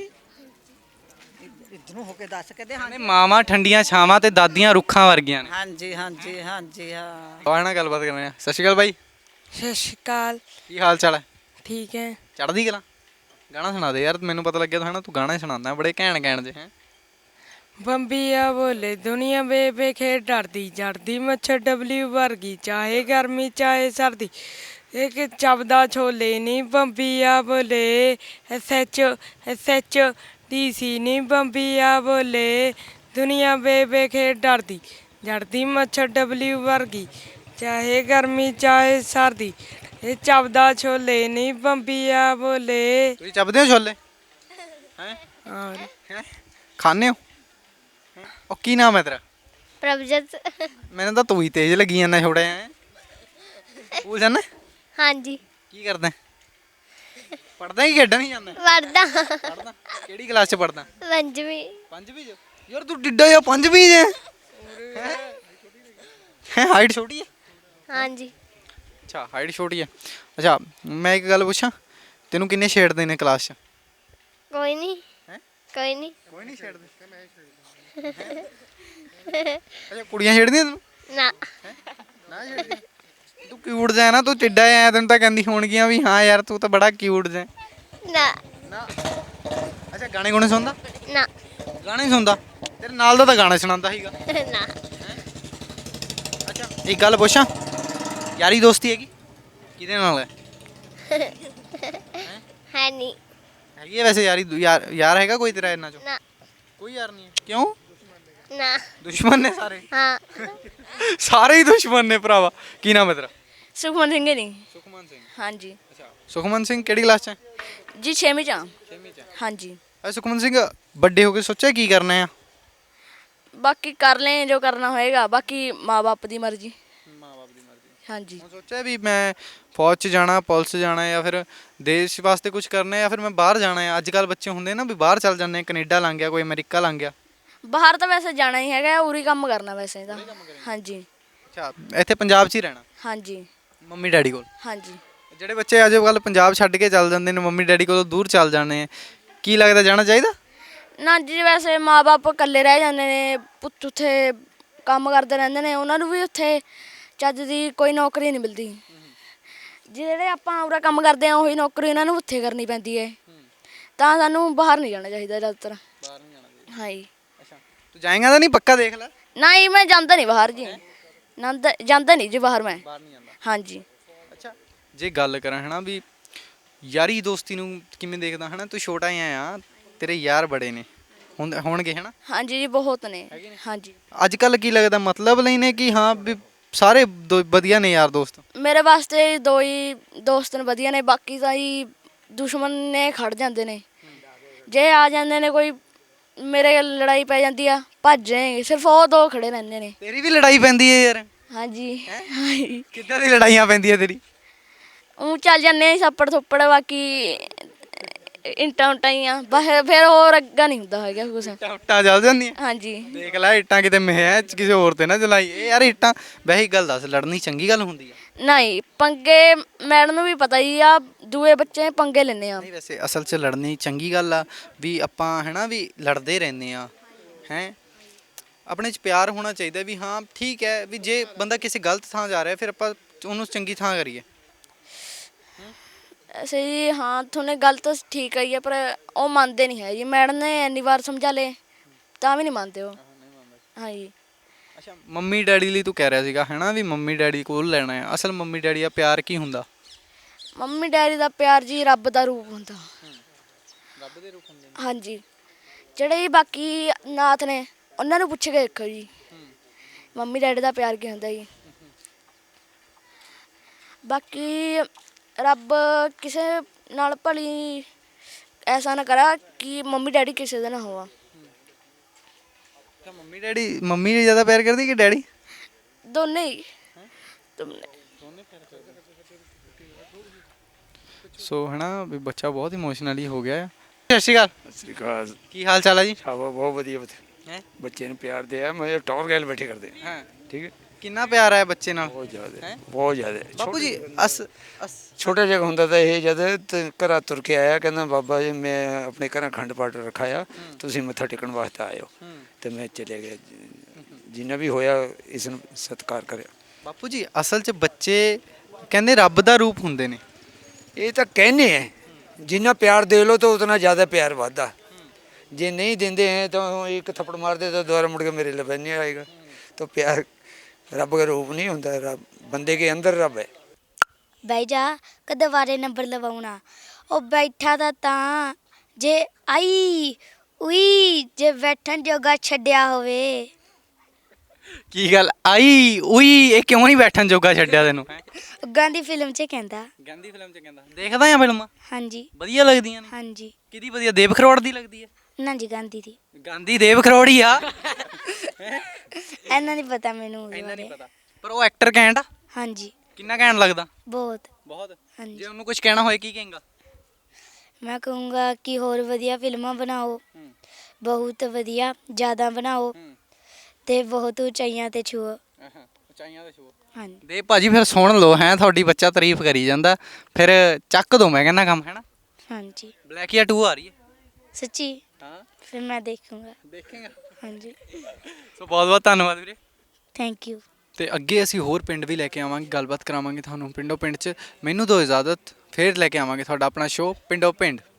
ਇੱਧਰ ਨੂੰ ਹੋ ਕੇ ਦੱਸ। ਕਹਿੰਦੇ ਕਹਿੰਦੇ ਮਾਵਾਂ ਠੰਡੀਆਂ ਛਾਵਾਂ ਤੇ ਦਾਦੀਆਂ ਰੁੱਖਾਂ ਵਰਗੀਆਂ ਨੇ। ਹਾਂਜੀ ਹਾਂਜੀ ਹਾਂਜੀ ਹਾਂ। ਬਾਹਰ ਨਾਲ ਗੱਲਬਾਤ ਕਰਨੇ ਆ। ਸਤਿ ਸ਼੍ਰੀ ਅਕਾਲ ਬਾਈ। ਸਤਿ ਸ਼੍ਰੀ ਅਕਾਲ ਕੀ ਹਾਲ ਚਾਲ ਹੈ? ਠੀਕ ਹੈ ਚੜ੍ਹਦੀ ਕਲਾ। ਗਾਣਾ ਸੁਣਾ ਦੇ ਯਾਰ, ਮੈਨੂੰ ਪਤਾ ਲੱਗਿਆ ਤਾਂ ਤੂੰ ਗਾਣਾ ਹੀ ਸੁਣਾਉਂਦਾ ਬੜੇ ਘੈਂਟ ਜੇ ਹੈ। ਬੰਬੀਆ ਬੋਲੇ ਦੁਨੀਆ ਬੇਬੇ ਖੇਡ ਡਰਦੀ ਜੜਦੀ ਮੱਛਰ ਡਬਲਿਊ ਵਰਗੀ ਚਾਹੇ ਗਰਮੀ ਚਾਹੇ ਸਰਦੀ ਇੱਕ ਚੱਬਦਾ ਛੋਲੇ ਨਹੀਂ ਬੰਬੀਆ ਬੋਲੇ ਐਸਐਚ ਡੀਸੀ ਨਹੀਂ ਬੰਬੀਆ ਬੋਲੇ ਦੁਨੀਆ ਬੇਬੇ ਖੇਡ ਡਰਦੀ ਜੜਦੀ ਮੱਛਰ ਡਬਲਿਊ ਵਰਗੀ ਚਾਹੇ ਗਰਮੀ ਚਾਹੇ ਸਰਦੀ ਇਹ ਚੱਬਦਾ ਛੋਲੇ ਨਹੀਂ ਬੰਬੀਆ ਬੋਲੇ। ਤੁਸੀਂ ਚੱਬਦੇ ਹੋ ਛੋਲੇ ਹੈ? ਔਰ ਖਾਣੇ ਹੋ? ਉਹ ਕੀ ਨਾਮ ਹੈ ਤੇਰਾ? ਪ੍ਰਭਜਤ। ਮੈਨੂੰ ਤਾਂ ਤੂੰ ਹੀ ਤੇਜ਼ ਲੱਗੀ ਜਾਂਦਾ ਛੋੜਾ ਹੈ। ਉਹ ਜਾਨਾ ਹਾਂਜੀ ਕੀ ਕਰਦਾ? ਪੜਦਾ ਕਿ ਖੇਡਣ ਹੀ ਜਾਂਦਾ? ਵਰਦਾ ਪੜਦਾ। ਕਿਹੜੀ ਕਲਾਸ ਚ ਪੜਦਾ? ਪੰਜਵੀਂ। ਪੰਜਵੀਂ ਚ? ਯਾਰ ਤੂੰ ਡਿੱਡਾ ਜਾਂ ਪੰਜਵੀਂ ਚ ਹੈ? ਹਾਈਟ ਛੋਟੀ ਹੈ? ਹਾਂਜੀ ਅੱਛਾ ਹਾਈਟ ਛੋਟੀ ਹੈ। ਅੱਛਾ ਮੈਂ ਇੱਕ ਗੱਲ ਪੁੱਛਾਂ, ਤੈਨੂੰ ਕਿੰਨੇ ਛੇੜਦੇ ਨੇ ਕਲਾਸ ਚ? ਕੋਈ ਨਹੀਂ ਹੈਂ? ਕੋਈ ਨਹੀਂ ਕੋਈ ਨਹੀਂ ਛੇੜਦੇ। ਅੱਛਾ ਕੁੜੀਆਂ ਛੇੜਦੀਆਂ ਤੈਨੂੰ? ਨਾ ਨਾ ਛੇੜਦੀ। ਤੂੰ ਕਿਊਟ ਜਾ ਨਾ, ਤੂੰ ਟਿੱਡਾ ਆ, ਤੈਨੂੰ ਤਾਂ ਕਹਿੰਦੀ ਹੋਣਗੀਆਂ ਵੀ ਹਾਂ ਯਾਰ ਤੂੰ ਤਾਂ ਬੜਾ ਕਿਊਟ ਜਾ। ਨਾ ਨਾ ਅੱਛਾ ਗਾਣੇ ਗੁਣੇ ਸੁਣਦਾ? ਨਾ ਗਾਣੇ ਸੁਣਦਾ? ਤੇਰੇ ਨਾਲ ਦਾ ਤਾਂ ਗਾਣਾ ਸੁਣਾਉਂਦਾ ਸੀਗਾ। ਨਾ ਅੱਛਾ ਇੱਕ ਗੱਲ ਪੁੱਛਾਂ, ਯਾਰੀ ਦੋਸਤੀ ਹੈਗੀ ਕਿਹਦੇ ਨਾਲ ਹੈ? ਹੈ ਨਹੀਂ ਹੈਗੀ ਹੈ ਵੈਸੇ ਯਾਰੀ ਯਾਰ ਹੈਗਾ ਕੋਈ ਤੇਰਾ ਇਹਨਾਂ ਚੋਂ? ਨਾ ਕੋਈ ਯਾਰ ਨਹੀਂ ਹੈ। ਕਿਉਂ? ਨਾ ਦੁਸ਼ਮਣ ਨੇ ਸਾਰੇ? ਹਾਂ ਸਾਰੇ ਹੀ ਦੁਸ਼ਮਣ ਨੇ ਭਰਾਵਾ। ਕੀ ਨਾਮ ਹੈ ਤੇਰਾ? ਸੁਖਮਨ ਸਿੰਘ ਨਹੀਂ ਸੁਖਮਨ ਸਿੰਘ। ਹਾਂਜੀ ਅੱਛਾ ਸੁਖਮਨ ਸਿੰਘ ਕਿਹੜੀ ਕਲਾਸ ਚ ਹੈ? ਜੀ 6ਵੀਂ ਚ ਆ। 6ਵੀਂ ਚ। ਹਾਂਜੀ ਸੁਖਮਨ ਸਿੰਘ, ਵੱਡੇ ਹੋ ਕੇ ਸੋਚਿਆ ਕੀ ਕਰਨਾ ਆ? ਬਾਕੀ ਕਰ ਲੈ ਜੋ ਕਰਨਾ ਹੋਏਗਾ, ਬਾਕੀ ਮਾਂ-ਬਾਪ ਦੀ ਮਰਜ਼ੀ। ਮਾਂ-ਬਾਪ ਦੀ ਮਰਜ਼ੀ। ਹਾਂਜੀ। ਹੁਣ ਸੋਚਿਆ ਵੀ ਮੈਂ ਫੌਜ 'ਚ ਜਾਣਾ, ਪੁਲਿਸ 'ਚ ਜਾਣਾ, ਜਾਂ ਫਿਰ ਦੇਸ਼ ਵਾਸਤੇ ਕੁਝ ਕਰਨਾ, ਜਾਂ ਫਿਰ ਮੈਂ ਬਾਹਰ ਜਾਣਾ ਆ? ਅੱਜ ਕੱਲ ਬੱਚੇ ਹੁੰਦੇ ਨਾ ਵੀ ਬਾਹਰ ਚੱਲ ਜਾਂਦੇ ਆ, ਕੈਨੇਡਾ ਲੰਘ ਗਿਆ, ਕੋਈ ਅਮਰੀਕਾ ਲੰਘ ਗਿਆ। ਬਾਹਰ ਤਾਂ ਵੈਸੇ ਜਾਣਾ ਹੀ ਹੈਗਾ, ਉਰੀ ਕੰਮ ਕਰਨਾ ਵੈਸੇ ਤਾਂ। ਹਾਂਜੀ। ਅੱਛਾ, ਇੱਥੇ ਪੰਜਾਬ 'ਚ ਹੀ ਰਹਿਣਾ ਹਾਂਜੀ। ਮੰਮੀ ਡੈਡੀ ਕੋਲ? ਹਾਂਜੀ। ਜਿਹੜੇ ਬੱਚੇ ਅੱਜ ਕੱਲ ਪੰਜਾਬ ਛੱਡ ਕੇ ਚੱਲ ਜਾਂਦੇ ਨੇ, ਮੰਮੀ ਡੈਡੀ ਕੋਲੋਂ ਦੂਰ ਚੱਲ ਜਾਂਦੇ ਆ, ਕੀ ਲੱਗਦਾ ਜਾਣਾ ਚਾਹੀਦਾ? ਨਾ ਜੀ, ਵੈਸੇ ਮਾਂ-ਬਾਪ ਇਕੱਲੇ ਰਹਿ ਜਾਂਦੇ ਨੇ, ਪੁੱਤ ਉੱਥੇ ਕੰਮ ਕਰਦੇ ਰਹਿੰਦੇ ਨੇ, ਉਹਨਾਂ ਨੂੰ ਵੀ ਉੱਥੇ ਚੱਜ ਦੀ ਕੋਈ ਨੌਕਰੀ ਨਹੀਂ ਮਿਲਦੀ। ਜਿਹੜੇ ਆਪਾਂ ਉਰਾ ਕੰਮ ਕਰਦੇ ਆ ਉਹੀ ਨੌਕਰੀ ਉਹਨਾਂ ਨੂੰ ਉੱਥੇ ਕਰਨੀ ਪੈਂਦੀ ਹੈ। ਤਾਂ ਸਾਨੂੰ ਬਾਹਰ ਨਹੀਂ ਜਾਣਾ ਚਾਹੀਦਾ ਜ਼ਿਆਦਾਤਰ। ਬਾਹਰ ਨਹੀਂ ਜਾਣਾ ਚਾਹੀਦਾ। ਹਾਂਜੀ। ਅੱਛਾ, ਤੂੰ ਜਾਏਗਾ ਤਾਂ ਨਹੀਂ? ਪੱਕਾ ਦੇਖ ਲੈ। ਨਹੀਂ, ਮੈਂ ਜਾਂਦਾ ਨਹੀਂ ਬਾਹਰ ਜੀ। ਜਾਂਦਾ ਨਹੀਂ ਜੀ ਬਾਹਰ ਮੈਂ। ਬਾਹਰ ਨਹੀਂ ਜਾਂਦਾ। ਹਾਂਜੀ। ਅੱਛਾ, ਜੇ ਗੱਲ ਕਰਾਂ ਹੈ ਨਾ ਵੀ ਯਾਰੀ ਦੋਸਤੀ ਨੂੰ ਕਿਵੇਂ ਦੇਖਦਾ ਹੈ ਨਾ? ਤੂੰ ਛੋਟਾ ਹੀ ਆ, ਤੇਰੇ ਯਾਰ ਬੜੇ ਨੇ ਹੋਣਗੇ ਹੈ ਨਾ? ਹਾਂਜੀ ਜੀ, ਬਹੁਤ ਨੇ। ਹਾਂਜੀ। ਅੱਜ ਕੱਲ ਕੀ ਲੱਗਦਾ, ਮਤਲਬ ਲਈ ਨੇ ਕਿ ਹਾਂ ਵੀ ਸਾਰੇ ਵਧੀਆ ਨੇ ਯਾਰ ਦੋਸਤ? ਮੇਰੇ ਵਾਸਤੇ ਦੋ ਹੀ ਦੋਸਤ ਨੇ ਵਧੀਆ ਨੇ, ਬਾਕੀ ਤਾਂ ਹੀ ਦੁਸ਼ਮਣ ਨੇ ਖੜ ਜਾਂਦੇ ਨੇ। ਜੇ ਆ ਜਾਂਦੇ ਨੇ ਕੋਈ, ਮੇਰੇ ਲੜਾਈ ਪੈ ਜਾਂਦੀ ਆ, ਭੱਜ ਜਾਣਗੇ, ਸਿਰਫ ਉਹ ਦੋ ਖੜੇ ਰਹਿੰਦੇ ਨੇ। ਤੇਰੀ ਵੀ ਲੜਾਈ ਪੈਂਦੀ ਹੈ ਯਾਰ? ਹਾਂਜੀ। ਕਿੱਦਾਂ ਦੀ ਲੜਾਈਆਂ ਪੈਂਦੀਆਂ ਤੇਰੀ? ਉਹ ਚੱਲ ਜਾਂਦੇ ਆ ਛੱਪੜ ਥੁੱਪੜ, ਬਾਕੀ ਇੰਟਾਂ ਉਟਾਂ ਹੀ ਆ ਬਸ, ਫਿਰ ਹੋਰ ਅੱਗਾ ਨਹੀਂ ਹੁੰਦਾ ਹੈਗਾ ਕੁਛ। ਇੱਟਾਂ ਚੱਲ ਜਾਂਦੀਆਂ? ਹਾਂਜੀ। ਦੇਖ ਲੈ, ਇੱਟਾਂ ਕਿਤੇ ਮੈਂ ਕਿਸੇ ਹੋਰ ਤੇ ਨਾ ਚਲਾਈ। ਇਹ ਯਾਰ ਇੱਟਾਂ, ਵੈਸੇ ਗੱਲ ਦੱਸ, ਲੜਨੀ ਚੰਗੀ ਗੱਲ ਹੁੰਦੀ ਆ? ਨਹੀਂ, ਪੰਗੇ ਮੈਡਮ ਨੂੰ ਵੀ ਪਤਾ ਹੀ ਆ, ਦੂਏ ਬੱਚੇ ਪੰਗੇ ਲੈਂਦੇ ਆ। ਨਹੀਂ, ਵੈਸੇ ਅਸਲ 'ਚ ਲੜਨੀ ਚੰਗੀ ਗੱਲ ਆ ਵੀ ਆਪਾਂ ਹੈ ਨਾ ਵੀ ਲੜਦੇ ਰਹਿੰਦੇ ਆ ਹੈ। ਆਪਣੇ 'ਚ ਪਿਆਰ ਹੋਣਾ ਚਾਹੀਦਾ ਵੀ ਹਾਂ ਠੀਕ ਹੈ, ਵੀ ਜੇ ਬੰਦਾ ਕਿਸੇ ਗਲਤ ਥਾਂ ਜਾ ਰਿਹਾ ਫਿਰ ਆਪਾਂ ਉਹਨੂੰ ਚੰਗੀ ਥਾਂ ਕਰੀਏ। ਸਹੀ, ਹਾਂ ਤੁਹਾਨੇ ਗੱਲ ਤਾਂ ਠੀਕ ਆਈ ਹੈ, ਪਰ ਉਹ ਮੰਨਦੇ ਨਹੀਂ ਹੈ ਜੀ। ਮੈਡਮ ਨੇ ਇੰਨੀ ਵਾਰ ਸਮਝਾ ਲਏ ਤਾਂ ਵੀ ਨਹੀਂ ਮੰਨਦੇ ਉਹ। ਹਾਂਜੀ। ਅੱਛਾ, ਮੰਮੀ ਡੈਡੀ ਲਈ ਤੂੰ ਕਹਿ ਰਿਹਾ ਸੀਗਾ ਹੈ ਨਾ ਵੀ ਮੰਮੀ ਡੈਡੀ ਕੋਲ ਲੈਣਾ ਹੈ। ਅਸਲ ਮੰਮੀ ਡੈਡੀ ਦਾ ਪਿਆਰ ਕੀ ਹੁੰਦਾ? ਮੰਮੀ ਡੈਡੀ ਦਾ ਪਿਆਰ ਜੀ ਰੱਬ ਦਾ ਰੂਪ ਹੁੰਦਾ। ਰੱਬ ਦੇ ਰੂਪ ਹੁੰਦੇ ਹਾਂਜੀ। ਜਿਹੜੇ ਜੀ ਬਾਕੀ ਨਾਥ ਨੇ ਉਹਨਾਂ ਨੂੰ ਪੁੱਛ ਕੇ ਦੇਖੋ ਜੀ, ਮੰਮੀ ਡੈਡੀ ਦਾ ਪਿਆਰ ਕੀ ਹੁੰਦਾ ਜੀ। ਬਾਕੀ ਰੱਬ ਕਿਸੇ ਨਾਲ ਭਲੀ ਐਸਾ ਨਾ ਕਰਾ ਕਿ ਮੰਮੀ ਡੈਡੀ ਕਿਸੇ ਦਾ ਨਾ ਹੋਵਾ। ਮੰਮੀ ਨੇ ਜ਼ਿਆਦਾ ਪਿਆਰ ਕਰਦੀ ਕਿ ਡੈਡੀ? ਦੋਨੇ ਹੀ। ਸੋ ਹੈ ਨਾ ਵੀ ਬੱਚਾ ਬਹੁਤ ਇਮੋਸ਼ਨਲੀ ਹੋ ਗਿਆ ਆ। ਸਤਿ ਸ਼੍ਰੀ ਅਕਾਲ। ਸਤਿ ਸ਼੍ਰੀ ਅਕਾਲ। ਕੀ ਹਾਲ ਚਾਲ ਹੈ ਜੀ? ਸ਼ਾਬਾ, ਬਹੁਤ ਵਧੀਆ ਹੈਂ? ਬੱਚੇ ਨੂੰ ਪਿਆਰ ਦਿਆ, ਮੈਂ ਟੌਰ ਗੈਲ ਬੈਠੇ ਕਰਦੇ ਹਾਂ, ਠੀਕ ਹੈ। ਕਿੰਨਾ ਪਿਆਰ ਹੈ ਬੱਚੇ ਨਾਲ? ਬਹੁਤ ਜ਼ਿਆਦਾ ਹੈਂ? ਬਹੁਤ ਜ਼ਿਆਦਾ। ਬਾਪੂ ਜੀ ਛੋਟਾ ਜਿਹਾ ਹੁੰਦਾ ਤਾਂ ਇਹ ਜਦ ਘਰਾਂ ਤੁਰ ਕੇ ਆਇਆ, ਕਹਿੰਦਾ ਬਾਬਾ ਜੀ ਮੈਂ ਆਪਣੇ ਘਰਾਂ ਅਖੰਡ ਪਾਠ ਰੱਖਾਇਆ, ਤੁਸੀਂ ਮੱਥਾ ਟੇਕਣ ਵਾਸਤੇ ਆਇਓ। ਤੇ ਮੈਂ ਚਲੇ ਗਿਆ, ਜਿੰਨਾ ਵੀ ਹੋਇਆ ਇਸ ਨੂੰ ਸਤਿਕਾਰ ਕਰਿਆ। ਬਾਪੂ ਜੀ, ਅਸਲ 'ਚ ਬੱਚੇ ਕਹਿੰਦੇ ਰੱਬ ਦਾ ਰੂਪ ਹੁੰਦੇ ਨੇ। ਇਹ ਤਾਂ ਕਹਿੰਦੇ ਹੈ, ਜਿੰਨਾ ਪਿਆਰ ਦੇ ਲੋ ਤਾਂ ਉਤਨਾ ਜ਼ਿਆਦਾ ਪਿਆਰ ਵੱਧਦਾ। ਜੇ ਨਹੀਂ ਦਿੰਦੇ ਹੈ ਤਾਂ ਇੱਕ ਥੱਪੜ ਮਾਰਦੇ ਤਾਂ ਦੁਬਾਰਾ ਮੁੜ ਕੇ ਮੇਰੇ ਲਵੇ ਨਹੀਂ ਆਏਗਾ। ਤਾਂ ਪਿਆਰ ਰੱਬ ਦਾ ਰੂਪ ਨਹੀਂ ਹੁੰਦਾ, ਰੱਬ ਬੰਦੇ ਕੇ ਅੰਦਰ ਰੱਬ ਹੈ। ਬਹਿ ਜਾ, ਕਦੇ ਵਾਰੇ ਨੰਬਰ ਲਵਾਉਣਾ। ਉਹ ਬੈਠਾ ਤਾਂ ਜੇ ਆਈ ਉਈ, ਜੇ ਬੈਠਣ ਜੋਗਾ ਛੱਡਿਆ ਹੋਵੇ। ਕੀ ਗੱਲ ਆਈ ਉਈ, ਇਹ ਕਿਉਂ ਨਹੀਂ ਬੈਠਣ ਜੋਗਾ ਛੱਡਿਆ ਤੈਨੂੰ? ਗਾਂਧੀ ਫਿਲਮ 'ਚ ਕਹਿੰਦਾ। ਗਾਂਧੀ ਫਿਲਮ 'ਚ ਕਹਿੰਦਾ? ਦੇਖਦਾ ਆ ਫਿਲਮਾਂ? ਹਾਂਜੀ। ਵਧੀਆ ਲੱਗਦੀਆਂ ਨੇ? ਹਾਂਜੀ। ਕਿਹਦੀ ਵਧੀਆ? ਦੇਵ ਖਰੋੜ ਦੀ ਲੱਗਦੀ ਹੈ? ਨਾ ਜੀ, ਗਾਂਧੀ ਦੀ। ਗਾਂਧੀ ਦੇਵ ਖਰੋੜ ਹੀ ਆ। ਇੰਨਾ ਨਹੀਂ ਪਤਾ ਮੈਨੂੰ ਉਹਦੇ ਇੰਨਾ ਨਹੀਂ ਬਾਰੇ। ਪਤਾ, ਪਰ ਉਹ ਐਕਟਰ ਘੈਂਟ ਆ। ਹਾਂਜੀ। ਕਿੰਨਾ ਘੈਂਟ ਲੱਗਦਾ? ਬਹੁਤ। ਬਹੁਤ। ਹਾਂਜੀ। ਜੇ ਉਹਨੂੰ ਕੁਝ ਕਹਿਣਾ ਹੋਏ ਕੀ ਕਹੇਗਾ? ਮੈਂ ਕਹੂੰਗਾ ਕਿ ਹੋਰ ਵਧੀਆ ਫਿਲਮਾਂ ਬਣਾਓ, ਬਹੁਤ ਵਧੀਆ, ਜ਼ਿਆਦਾ ਬਣਾਓ ਤੇ ਬਹੁਤ ਉਚਾਈਆਂ ਤੇ ਛੂਓ। ਉਚਾਈਆਂ ਤੇ ਛੂਓ। ਹਾਂਜੀ। ਦੇ ਭਾਜੀ ਫਿਰ ਸੁਣ ਲਓ ਹੈ, ਤੁਹਾਡੀ ਬੱਚਾ ਤਾਰੀਫ ਕਰੀ ਜਾਂਦਾ, ਫਿਰ ਚੱਕ ਦੋ ਮੈਂ ਕਹਿੰਦਾ ਕੰਮ, ਹੈ ਨਾ? ਹਾਂਜੀ। ਬਲੈਕੀਆ 2 ਆ ਰਹੀ ਹੈ? ਸੱਚੀ? ਹਾਂ। ਫਿਰ ਮੈਂ ਦੇਖੂੰਗਾ। ਦੇਖੇਗਾ? ਹਾਂਜੀ। ਸੋ ਬਹੁਤ ਬਹੁਤ ਧੰਨਵਾਦ ਵੀਰੇ। Thank you. ਤੇ ਅੱਗੇ ਅਸੀਂ ਹੋਰ ਪਿੰਡ ਵੀ ਲੈ ਕੇ ਆਵਾਂਗੇ, ਗੱਲਬਾਤ ਕਰਾਵਾਂਗੇ ਤੁਹਾਨੂੰ ਪਿੰਡੋਂ ਪਿੰਡ 'ਚ। ਮੈਨੂੰ ਦਿਓ ਇਜਾਜ਼ਤ, ਫਿਰ ਲੈ ਕੇ ਆਵਾਂਗੇ ਤੁਹਾਡਾ ਆਪਣਾ ਸ਼ੋਅ ਪਿੰਡੋਂ ਪਿੰਡ।